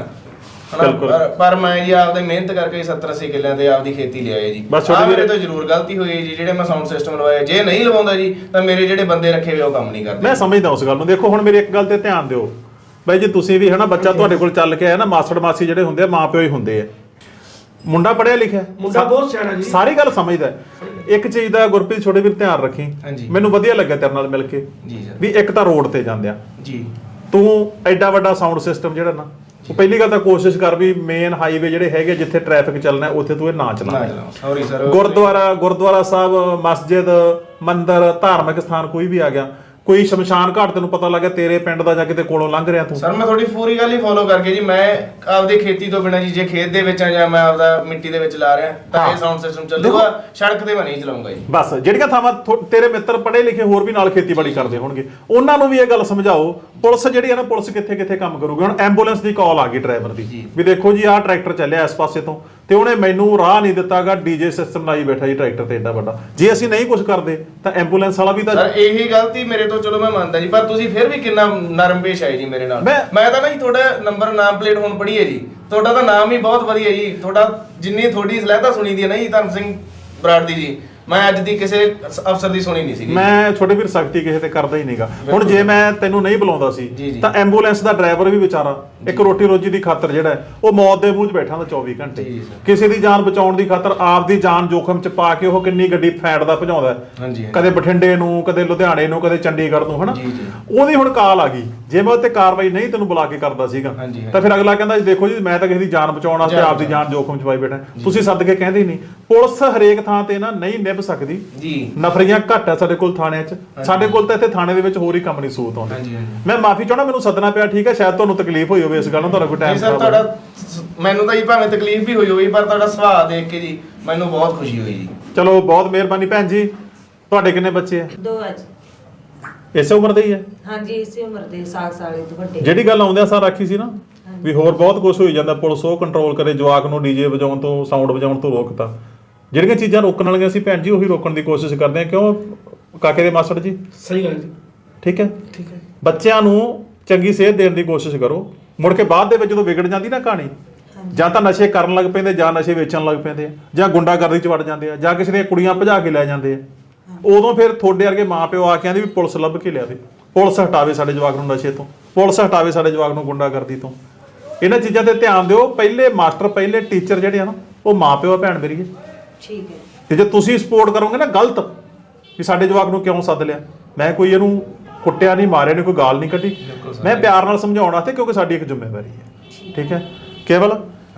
B: ਪਰ ਮੈਂ ਜੀ ਆਪਦੇ ਮਿਹਨਤ ਕਰਕੇ 70-80 ਕਿੱਲਿਆਂ ਤੇ ਆਪਦੀ ਖੇਤੀ ਲਿਆਏ ਜੀ। ਮੇਰੇ ਤੋਂ ਜ਼ਰੂਰ ਗਲਤੀ ਹੋਈ ਜੀ, ਜਿਹੜੇ ਮੈਂ ਸਾਊਂਡ ਸਿਸਟਮ ਲਵਾਇਆ। ਜੇ ਨਹੀਂ ਲਵਾਉਂਦਾ ਜੀ ਤਾਂ ਮੇਰੇ ਜਿਹੜੇ ਬੰਦੇ ਰੱਖੇ ਹੋਏ ਉਹ ਕੰਮ ਨਹੀਂ ਕਰਦੇ।
A: ਮੈਂ ਸਮਝਦਾ ਉਸ ਗੱਲ ਨੂੰ। ਦੇਖੋ ਹੁਣ ਮੇਰੀ ਇੱਕ ਗੱਲ ਤੇ ਧਿਆਨ ਦਿਓ ਬਾਈ ਜੀ, ਤੁਸੀਂ ਵੀ ਹਨਾ, ਬੱਚਾ ਤੁਹਾਡੇ ਕੋਲ ਚੱਲ ਕੇ ਆਇਆ ਨਾ, ਮਾਸੜ ਮਾਸੀ ਜਿਹੜੇ ਹੁੰਦੇ ਆ ਮਾਂ ਪਿਓ ਹੀ ਹੁੰਦੇ ਆ। ਮੁੰਡਾ ਪੜਿਆ ਲਿਖਿਆ,
C: ਮੁੰਡਾ ਬਹੁਤ ਸਿਆਣਾ ਜੀ,
A: ਸਾਰੀ ਗੱਲ ਸਮਝਦਾ। ਇੱਕ ਚੀਜ਼ ਦਾ ਗੁਰਪ੍ਰੀਤ ਛੋਟੇ ਵੀਰ ਧਿਆਨ ਰੱਖੀ, ਮੈਨੂੰ ਵਧੀਆ ਲੱਗਾ ਤੇਰੇ ਨਾਲ ਮਿਲ ਕੇ ਵੀ ਇੱਕ ਤਾਂ ਰੋਡ ਤੇ ਜਾਂਦੇ ਆ
B: ਜੀ,
A: ਤੂੰ ਐਡਾ ਵੱਡਾ ਸਾਊਂਡ ਸਿਸਟਮ ਜਿਹੜਾ ਨਾ, ਉਹ ਪਹਿਲੀ ਗੱਲ ਤਾਂ ਕੋਸ਼ਿਸ਼ ਕਰ ਵੀ ਮੇਨ ਹਾਈਵੇ ਜਿਹੜੇ ਹੈਗੇ ਜਿੱਥੇ ਟ੍ਰੈਫਿਕ ਚੱਲਣਾ ਉੱਥੇ ਤੂੰ ਇਹ ਨਾ ਚਲਾ।
B: Sorry sir.
A: ਗੁਰਦੁਆਰਾ ਸਾਹਿਬ, ਮਸਜਿਦ, ਮੰਦਿਰ, ਧਾਰਮਿਕ ਸਥਾਨ ਕੋਈ ਵੀ ਆ ਗਿਆ, ਕੋਈ ਸ਼ਮਸ਼ਾਨ ਘਾਟ ਤੈਨੂੰ ਪਤਾ ਲੱਗਿਆ ਤੇਰੇ ਪਿੰਡ ਦਾ ਜਾਂ ਕਿਤੇ ਕੋਲੋਂ ਲੰਘ ਰਿਹਾ ਤੂੰ।
B: ਸਰ ਮੈਂ ਤੁਹਾਡੀ ਪੂਰੀ ਗੱਲ ਹੀ ਫੋਲੋ ਕਰਕੇ ਜੀ, ਮੈਂ ਆਪਦੀ ਖੇਤੀ ਤੋਂ ਬਿਨਾਂ ਜੀ, ਜੇ ਖੇਤ ਦੇ ਵਿੱਚ ਆ ਜਾਂ ਮੈਂ ਆਪਦਾ ਮਿੱਟੀ ਦੇ ਵਿੱਚ ਲਾ ਰਿਹਾ ਤਾਂ ਇਹ ਸਾਊਂਡ ਸਿਸਟਮ ਚੱਲੂਗਾ, ਸੜਕ ਤੇ ਮੈਂ ਨਹੀਂ ਚਲਾਉਂਗਾ ਜੀ।
A: ਬਸ ਜਿਹੜੀਆਂ ਥਾਵਾਂ ਤੇਰੇ ਮਿੱਤਰ ਪੜ੍ਹੇ ਲਿਖੇ ਹੋਰ ਵੀ ਨਾਲ ਖੇਤੀਬਾੜੀ ਕਰਦੇ ਹੋਣਗੇ, ਉਹਨਾਂ ਨੂੰ ਵੀ ਇਹ ਗੱਲ ਸਮਝਾਓ। ਪੁਲਿਸ ਜਿਹੜੀ ਹੈ ਨਾ, ਪੁਲਿਸ ਕਿੱਥੇ ਕਿੱਥੇ ਕੰਮ ਕਰੂਗੀ। ਹੁਣ ਐਂਬੂਲੈਂਸ ਦੀ ਕਾਲ ਆ ਗਈ ਡਰਾਈਵਰ ਦੀ ਵੀ ਦੇਖੋ ਜੀ ਆਹ ਟਰੈਕਟਰ ਚੱਲਿਆ ਇਸ ਪਾਸੇ ਤੋਂ, ਤੇ ਉਹਨੇ ਮੈਨੂੰ ਰਾਹ ਨਹੀਂ ਦਿੱਤਾਗਾ, ਡੀਜੇ ਸਿਸਟਮ ਲਾਈ ਬੈਠਾ ਜੀ ਟਰੈਕਟਰ ਤੇ ਏਡਾ ਵੱਡਾ। ਜੇ ਅਸੀਂ ਨਹੀਂ ਕੁਝ ਕਰਦੇ ਤਾਂ ਐਂਬੂਲੈਂਸ ਵਾਲਾ ਵੀ ਤਾਂ।
B: ਸਰ ਇਹੀ ਗਲਤੀ ਮੇਰੇ ਤੋਂ ਚਲੋ ਮੈਂ ਮੰਨਦਾ ਜੀ, ਪਰ ਤੁਸੀਂ ਫਿਰ ਵੀ ਕਿੰਨਾ ਨਰਮ ਪੇਸ਼ ਆਏ ਜੀ ਮੇਰੇ ਨਾਲ। ਮੈਂ ਤਾਂ ਨਾ ਜੀ ਤੁਹਾਡਾ ਨੰਬਰ ਨਾਮ ਪਲੇਟ ਹੁਣ ਪੜ੍ਹੀ ਹੈ ਜੀ, ਤੁਹਾਡਾ ਤਾਂ ਨਾਮ ਹੀ ਬਹੁਤ ਵਧੀਆ ਜੀ। ਤੁਹਾਡਾ ਜਿੰਨੀ ਤੁਹਾਡੀ ਸਲਾਹਤਾ ਸੁਣੀ ਦੀ ਹੈ ਨਾ ਜੀ ਧਰਮ ਸਿੰਘ ਬਰਾੜ ਦੀ ਜੀ, ਮੈਂ ਅੱਜ ਦੀ ਕਿਸੇ ਅਫਸਰ ਦੀ ਸੁਣੀ ਨਹੀਂ ਸੀਗੀ।
A: ਮੈਂ ਛੋਟੇ ਵੀਰ ਸਖਤੀ ਕਿਸੇ ਤੇ ਕਰਦਾ ਹੀ ਨਹੀਂਗਾ। ਹੁਣ ਜੇ ਮੈਂ ਤੈਨੂੰ ਨਹੀਂ ਬੁਲਾਉਂਦਾ ਸੀ ਤਾਂ ਐਂਬੂਲੈਂਸ ਦਾ ਡਰਾਈਵਰ ਵੀ ਵਿਚਾਰਾ ਇੱਕ ਰੋਟੀ ਰੋਜੀ ਦੀ ਖਾਤਰ ਜਿਹੜਾ ਉਹ ਮੌਤ ਦੇ ਮੂੰਹ 'ਚ ਬੈਠਾ ਹੁੰਦਾ 24 ਘੰਟੇ, ਕਿਸੇ ਦੀ ਜਾਨ ਬਚਾਉਣ ਦੀ ਖਾਤਰ ਆਪਦੀ ਜਾਨ ਜੋਖਮ 'ਚ ਪਾ ਕੇ ਉਹ ਕਿੰਨੀ ਗੱਡੀ ਫੈਂਟਦਾ ਭਜਾਉਂਦਾ, ਕਦੇ ਬਠਿੰਡੇ ਨੂੰ, ਕਦੇ ਲੁਧਿਆਣੇ ਨੂੰ, ਕਦੇ ਚੰਡੀਗੜ੍ਹ ਨੂੰ, ਹਨਾ। ਉਹਦੀ ਹੁਣ ਕਾਲ ਆ ਗਈ, ਜੇ ਮੈਂ ਉੱਤੇ ਕਾਰਵਾਈ ਨਹੀਂ ਤੈਨੂੰ ਬੁਲਾ ਕੇ ਕਰਦਾ ਸੀਗਾ ਤਾਂ ਫਿਰ ਅਗਲਾ ਕਹਿੰਦਾ ਦੇਖੋ ਜੀ ਮੈਂ ਤਾਂ ਕਿਸੇ ਦੀ ਜਾਨ ਬਚਾਉਣ ਵਾਸਤੇ ਆਪਦੀ ਜਾਨ ਜੋਖਮ 'ਚ ਪਾਈ ਬੈਠਾ। ਤੁਸੀਂ ਸੱਦ ਕੇ ਕਹਿੰਦੇ ਨਹੀਂ। ਪੁਲਿਸ ਹਰੇਕ ਥਾਂ ਤੇ ਨਾ ਨਹੀਂ ਨਿਭ ਸਕਦੀ ਜੀ, ਨਫਰੀਆਂ ਘੱਟ ਆ ਸਾਡੇ ਕੋਲ ਥਾਣਿਆਂ 'ਚ। ਸਾਡੇ ਕੋਲ ਤਾਂ ਇੱਥੇ ਥਾਣੇ ਦੇ ਵਿੱਚ ਹੋਰ ਹੀ ਕੰਮ ਨਹੀਂ ਸੂਤ ਆਉਂਦੇ। ਮੈਂ ਮਾਫੀ ਚਾਹਣਾ, ਮੈਨੂੰ ਸੱਦਣਾ ਪਿਆ, ਠੀਕ ਹੈ, ਸ਼ਾਇਦ ਤੁਹਾਨੂੰ ਤਕਲੀਫ ਹੋਈ ਹੋਵੇ ਇਸ ਗੱਲ ਨੂੰ, ਤੁਹਾਡਾ ਕੋਈ ਟਾਈਮ
B: ਸਰ ਤੁਹਾਡਾ ਮੈਨੂੰ ਤਾਂ ਜੀ ਭਾਵੇਂ ਤਕਲੀਫ ਵੀ ਹੋਈ ਹੋਈ, ਪਰ ਤੁਹਾਡਾ ਸੁਭਾਅ ਦੇਖ ਕੇ ਜੀ ਮੈਨੂੰ ਬਹੁਤ ਖੁਸ਼ੀ ਹੋਈ ਜੀ।
A: ਚਲੋ ਬਹੁਤ ਮਿਹਰਬਾਨੀ ਭੈਣ ਜੀ। ਤੁਹਾਡੇ ਕਿੰਨੇ ਬੱਚੇ ਆ?
F: 2 ਅੱਜ।
A: ਇਸੇ ਉਮਰ ਦੇ ਹੀ ਆ?
F: ਹਾਂਜੀ ਇਸੇ ਉਮਰ ਦੇ, ਸਾਲ ਤੋਂ ਵੱਡੇ।
A: ਜਿਹੜੀ ਗੱਲ ਆਉਂਦਿਆਂ ਸਾਰ ਆਖੀ ਸੀ ਨਾ ਵੀ ਹੋਰ ਬਹੁਤ ਕੁਝ ਹੋਈ ਜਾਂਦਾ, ਪੁਲਿਸ ਉਹ ਕੰਟਰੋਲ ਕਰੇ, ਜਵਾਕ ਨੂੰ ਡੀਜੇ ਵਜਾਉਣ ਤੋਂ, ਸਾਊਂਡ ਵਜਾਉਣ ਤੋਂ ਰੋਕਤਾ। ਜਿਹੜੀਆਂ ਚੀਜ਼ਾਂ ਰੋਕਣ ਵਾਲੀਆਂ ਸੀ ਭੈਣ ਜੀ ਉਹੀ ਰੋਕਣ ਦੀ ਕੋਸ਼ਿਸ਼ ਕਰਦੇ ਆ। ਕਿਉਂ ਕਾਕੇ ਦੇ ਮਾਸਟਰ ਜੀ?
G: ਸਹੀ ਗੱਲ ਜੀ।
A: ਠੀਕ ਹੈ,
G: ਠੀਕ ਹੈ।
A: ਬੱਚਿਆਂ ਨੂੰ ਚੰਗੀ ਸਿਹਤ ਦੇਣ ਦੀ ਕੋਸ਼ਿਸ਼ ਕਰੋ। ਮੁੜ ਕੇ ਬਾਅਦ ਦੇ ਵਿੱਚ ਜਦੋਂ ਵਿਗੜ ਜਾਂਦੀ ਨਾ ਕਹਾਣੀ, ਜਾਂ ਤਾਂ ਨਸ਼ੇ ਕਰਨ ਲੱਗ ਪੈਂਦੇ, ਜਾਂ ਨਸ਼ੇ ਵੇਚਣ ਲੱਗ ਪੈਂਦੇ ਆ, ਜਾਂ ਗੁੰਡਾਗਰਦੀ 'ਚ ਵੜ ਜਾਂਦੇ ਆ, ਜਾਂ ਕਿਸੇ ਦੀਆਂ ਕੁੜੀਆਂ ਭਜਾ ਕੇ ਲੈ ਜਾਂਦੇ ਆ। ਉਦੋਂ ਫਿਰ ਤੁਹਾਡੇ ਵਰਗੇ ਮਾਂ ਪਿਓ ਆ ਕੇ ਆਂਦੇ ਵੀ ਪੁਲਿਸ ਲੱਭ ਕੇ ਲਿਆਵੇ, ਪੁਲਿਸ ਹਟਾਵੇ ਸਾਡੇ ਜਵਾਕ ਨੂੰ ਨਸ਼ੇ ਤੋਂ, ਪੁਲਿਸ ਹਟਾਵੇ ਸਾਡੇ ਜਵਾਕ ਨੂੰ ਗੁੰਡਾਗਰਦੀ ਤੋਂ। ਇਹਨਾਂ ਚੀਜ਼ਾਂ ਤੇ ਧਿਆਨ ਦਿਓ। ਪਹਿਲੇ ਮਾਸਟਰ, ਪਹਿਲੇ ਟੀਚਰ ਜਿਹੜੇ ਆ ਨਾ, ਉਹ ਮਾਂ ਪਿਓ ਆ ਭੈਣ ਮੇਰੀ।
F: ਠੀਕ ਹੈ।
A: ਤੇ ਜੇ ਤੁਸੀਂ ਸਪੋਰਟ ਕਰੋਗੇ ਨਾ ਗਲਤ ਵੀ ਸਾਡੇ ਜਵਾਕ ਨੂੰ ਕਿਉਂ ਸੱਦ ਲਿਆ, ਮੈਂ ਕੋਈ ਇਹਨੂੰ ਕੁੱਟਿਆ ਨਹੀਂ, ਮਾਰਿਆ ਨਹੀਂ, ਕੋਈ ਗਾਲ ਨਹੀਂ ਕੱਢੀ, ਮੈਂ ਪਿਆਰ ਨਾਲ ਸਮਝਾਉਣ ਵਾਸਤੇ, ਕਿਉਂਕਿ ਸਾਡੀ ਇੱਕ ਜ਼ਿੰਮੇਵਾਰੀ ਹੈ। ਠੀਕ ਹੈ। ਕੇਵਲ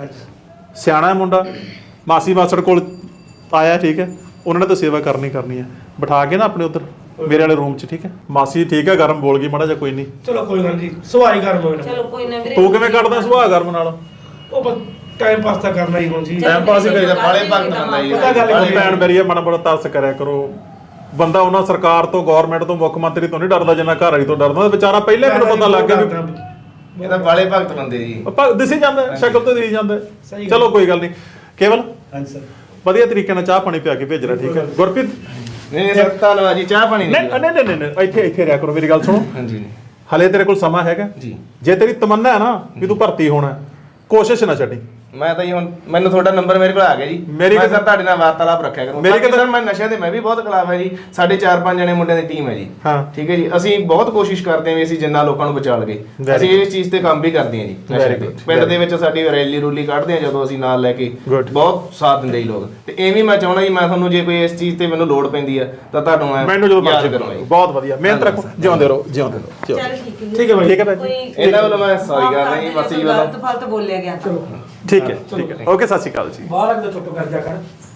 A: ਸਿਆਣਾ ਹੈ ਮੁੰਡਾ, ਮਾਸੀ ਮਾਸੜ ਕੋਲ ਆਇਆ, ਠੀਕ ਹੈ, ਉਹਨਾਂ ਨੇ ਤਾਂ ਸੇਵਾ ਕਰਨੀ ਹੈ। ਬਿਠਾ ਕੇ ਨਾ ਆਪਣੇ ਉੱਧਰ ਮੇਰੇ ਵਾਲੇ ਰੂਮ 'ਚ, ਠੀਕ ਹੈ। ਮਾਸੀ ਠੀਕ ਹੈ, ਗਰਮ ਬੋਲ ਗਈ ਮਾੜਾ ਜਿਹਾ, ਕੋਈ ਨਹੀਂ,
G: ਚਲੋ ਕੋਈ ਗੱਲ ਨਹੀਂ, ਸੁਭਾਅ ਹੀ ਗਰਮ ਹੋਣਾ।
F: ਚਲੋ ਕੋਈ ਨਾ ਵੀਰੇ।
A: ਤੂੰ ਕਿਵੇਂ ਕੱਢਦਾ ਸੁਭਾਅ ਗਰਮ ਨਾਲ?
G: ਉਹ ਬਸ ਟਾਈਮ ਪਾਸ ਤਾਂ ਕਰਨਾ ਹੀ ਹੁਣ ਜੀ।
A: ਟਾਈਮ ਪਾਸ ਹੀ ਕਰੀਦਾ।
B: ਬਾਲੇ ਭਗਤ ਬੰਦਾ ਜੀ।
G: ਪਤਾ ਗੱਲ
A: ਬਾਲੇ ਭੈਣ ਮੇਰੀ ਆ, ਮਾੜਾ ਬੜਾ ਤਰਸ ਕਰਿਆ ਕਰੋ। ਬੰਦਾ ਉਹਨਾਂ ਸਰਕਾਰ ਤੋਂ, ਗਵਰਨਮੈਂਟ ਤੋਂ, ਮੁੱਖ ਮੰਤਰੀ ਤੋਂ ਨਹੀਂ ਡਰਦਾ ਜਿੰਨਾ ਘਰ ਵਾਲੀ ਤੋਂ ਡਰਦਾ। ਵਿਚਾਰਾ ਪਹਿਲੇ ਮੈਨੂੰ ਪਤਾ ਲੱਗ ਗਿਆ ਵੀ
B: ਇਹ ਤਾਂ ਬਾਲੇ ਭਗਤ ਬੰਦੇ ਜੀ।
A: ਦਿਸੀ ਜਾਂਦਾ, ਸ਼ਕਲ ਤੋਂ ਦਿਸੀ ਜਾਂਦਾ।
G: ਸਹੀ
A: ਚਲੋ ਕੋਈ ਗੱਲ ਨਹੀਂ। ਕੇਵਲ
C: ਹਾਂਜੀ ਸਰ,
A: ਵਧੀਆ ਤਰੀਕੇ ਨਾਲ ਚਾਹ ਪਾਣੀ ਪਿਆ ਕੇ ਭੇਜਣਾ, ਠੀਕ ਹੈ। ਗੁਰਪ੍ਰੀਤ
B: ਨਹੀਂ ਸਰ, ਧੰਨਵਾਦ ਜੀ। ਚਾਹ ਪਾਣੀ
A: ਨਹੀਂ, ਇੱਥੇ ਰਿਹਾ ਕਰੋ, ਮੇਰੀ ਗੱਲ ਸੁਣੋ।
B: ਹਾਂਜੀ
A: ਹਲੇ ਤੇਰੇ ਕੋਲ ਸਮਾਂ ਹੈਗਾ ਜੀ। ਜੇ ਤੇਰੀ ਤਮੰਨਾ ਹੈ ਨਾ ਵੀ ਤੂੰ ਭਰਤੀ ਹੋਣਾ, ਕੋਸ਼ਿਸ਼ ਨਾ ਛੱਡੀ।
B: ਮੈਂ ਤਾਂ ਜੀ ਹੁਣ ਮੈਨੂੰ ਤੁਹਾਡਾ ਨੰਬਰ ਮੇਰੇ ਕੋਲ ਆ ਗਿਆ ਜੀ
A: ਮੇਰੀ
B: ਮੈਂ ਸਰ ਤੁਹਾਡੇ ਨਾਲ ਵਾਰਤਾਲਾਪ ਰੱਖਿਆ ਕਰੂੰ
A: ਮੇਰੀ
B: ਸਰ ਮੈਂ ਨਸ਼ਿਆਂ ਦੇ ਮੈਂ ਵੀ ਬਹੁਤ ਖਿਲਾਫ ਹੈ ਜੀ ਸਾਡੇ 4-5 ਜਣੇ ਮੁੰਡਿਆਂ ਦੀ ਟੀਮ ਹੈ ਜੀ
A: ਹਾਂ।
B: ਠੀਕ ਹੈ ਜੀ ਅਸੀਂ ਬਹੁਤ ਕੋਸ਼ਿਸ਼ ਕਰਦੇ ਹਾਂ ਵੀ ਅਸੀਂ ਜਿੰਨਾ ਲੋਕਾਂ ਨੂੰ ਬਚਾ ਲਈਏ
A: Very
B: ਅਸੀਂ ਇਸ ਚੀਜ਼ ਤੇ ਕੰਮ ਵੀ ਕਰਦੇ ਹਾਂ ਜੀ ਨਸ਼ੇ
A: Very
B: ਤੇ
A: good,
B: ਪਿੰਡ
A: very
B: ਦੇ ਵਿੱਚ ਸਾਡੀ ਰੈਲੀ ਰੂਲੀ ਕੱਢਦੇ ਹਾਂ ਜਦੋਂ ਅਸੀਂ ਨਾਲ ਲੈ ਕੇ
A: Good.
B: ਬਹੁਤ ਸਾਥ ਦਿੰਦੇ ਜੀ ਲੋਕ ਤੇ ਐਵੇਂ ਮੈਂ ਚਾਹੁੰਦਾ ਜੀ ਮੈਂ ਤੁਹਾਨੂੰ ਜੇ ਕੋਈ ਇਸ ਚੀਜ਼ ਤੇ ਮੈਨੂੰ ਲੋੜ ਪੈਂਦੀ ਆ ਤਾਂ ਤੁਹਾਨੂੰ ਮੈਂ
A: ਮੈਨੂੰ ਜਦੋਂ
B: ਯਾਦ
A: ਮਰਜ਼ੀ
B: ਕਰੂੰਗਾ ਜੀ
A: ਬਹੁਤ ਵਧੀਆ ਮਿਹਨਤ ਰੱਖੋ ਜਿਉਂਦੇ ਰਹੋ ਜਿਉਂਦੇ ਰਹੋ
F: ਚੱਲ ਠੀਕ ਹੈ
G: ਠੀਕ ਹੈ ਬਾਈ।
A: ਠੀਕ ਹੈ ਭਾਈ
F: ਕੋਈ
B: ਇਹਨਾਂ ਵੱਲੋਂ ਮੈਂ ਸੌਰੀ
F: ਮਾਫ਼
B: ਕਰਦਾ ਜੀ
F: ਕਰ
B: ਬਸ
F: ਦਿਓ,
B: ਜੀ
F: ਗਲਤ
B: ਵੱਲੋਂ
F: ਫਲਤ ਬੋਲਿਆ ਗਿਆ ਤਾਂ
A: ਠੀਕ ਹੈ ਓਕੇ ਸਤਿ ਸ਼੍ਰੀ ਅਕਾਲ ਜੀ
G: ਬਾਹਰ ਅੰਦਰ ਚੁੱਪ ਕਰ ਜਾ ਕਰ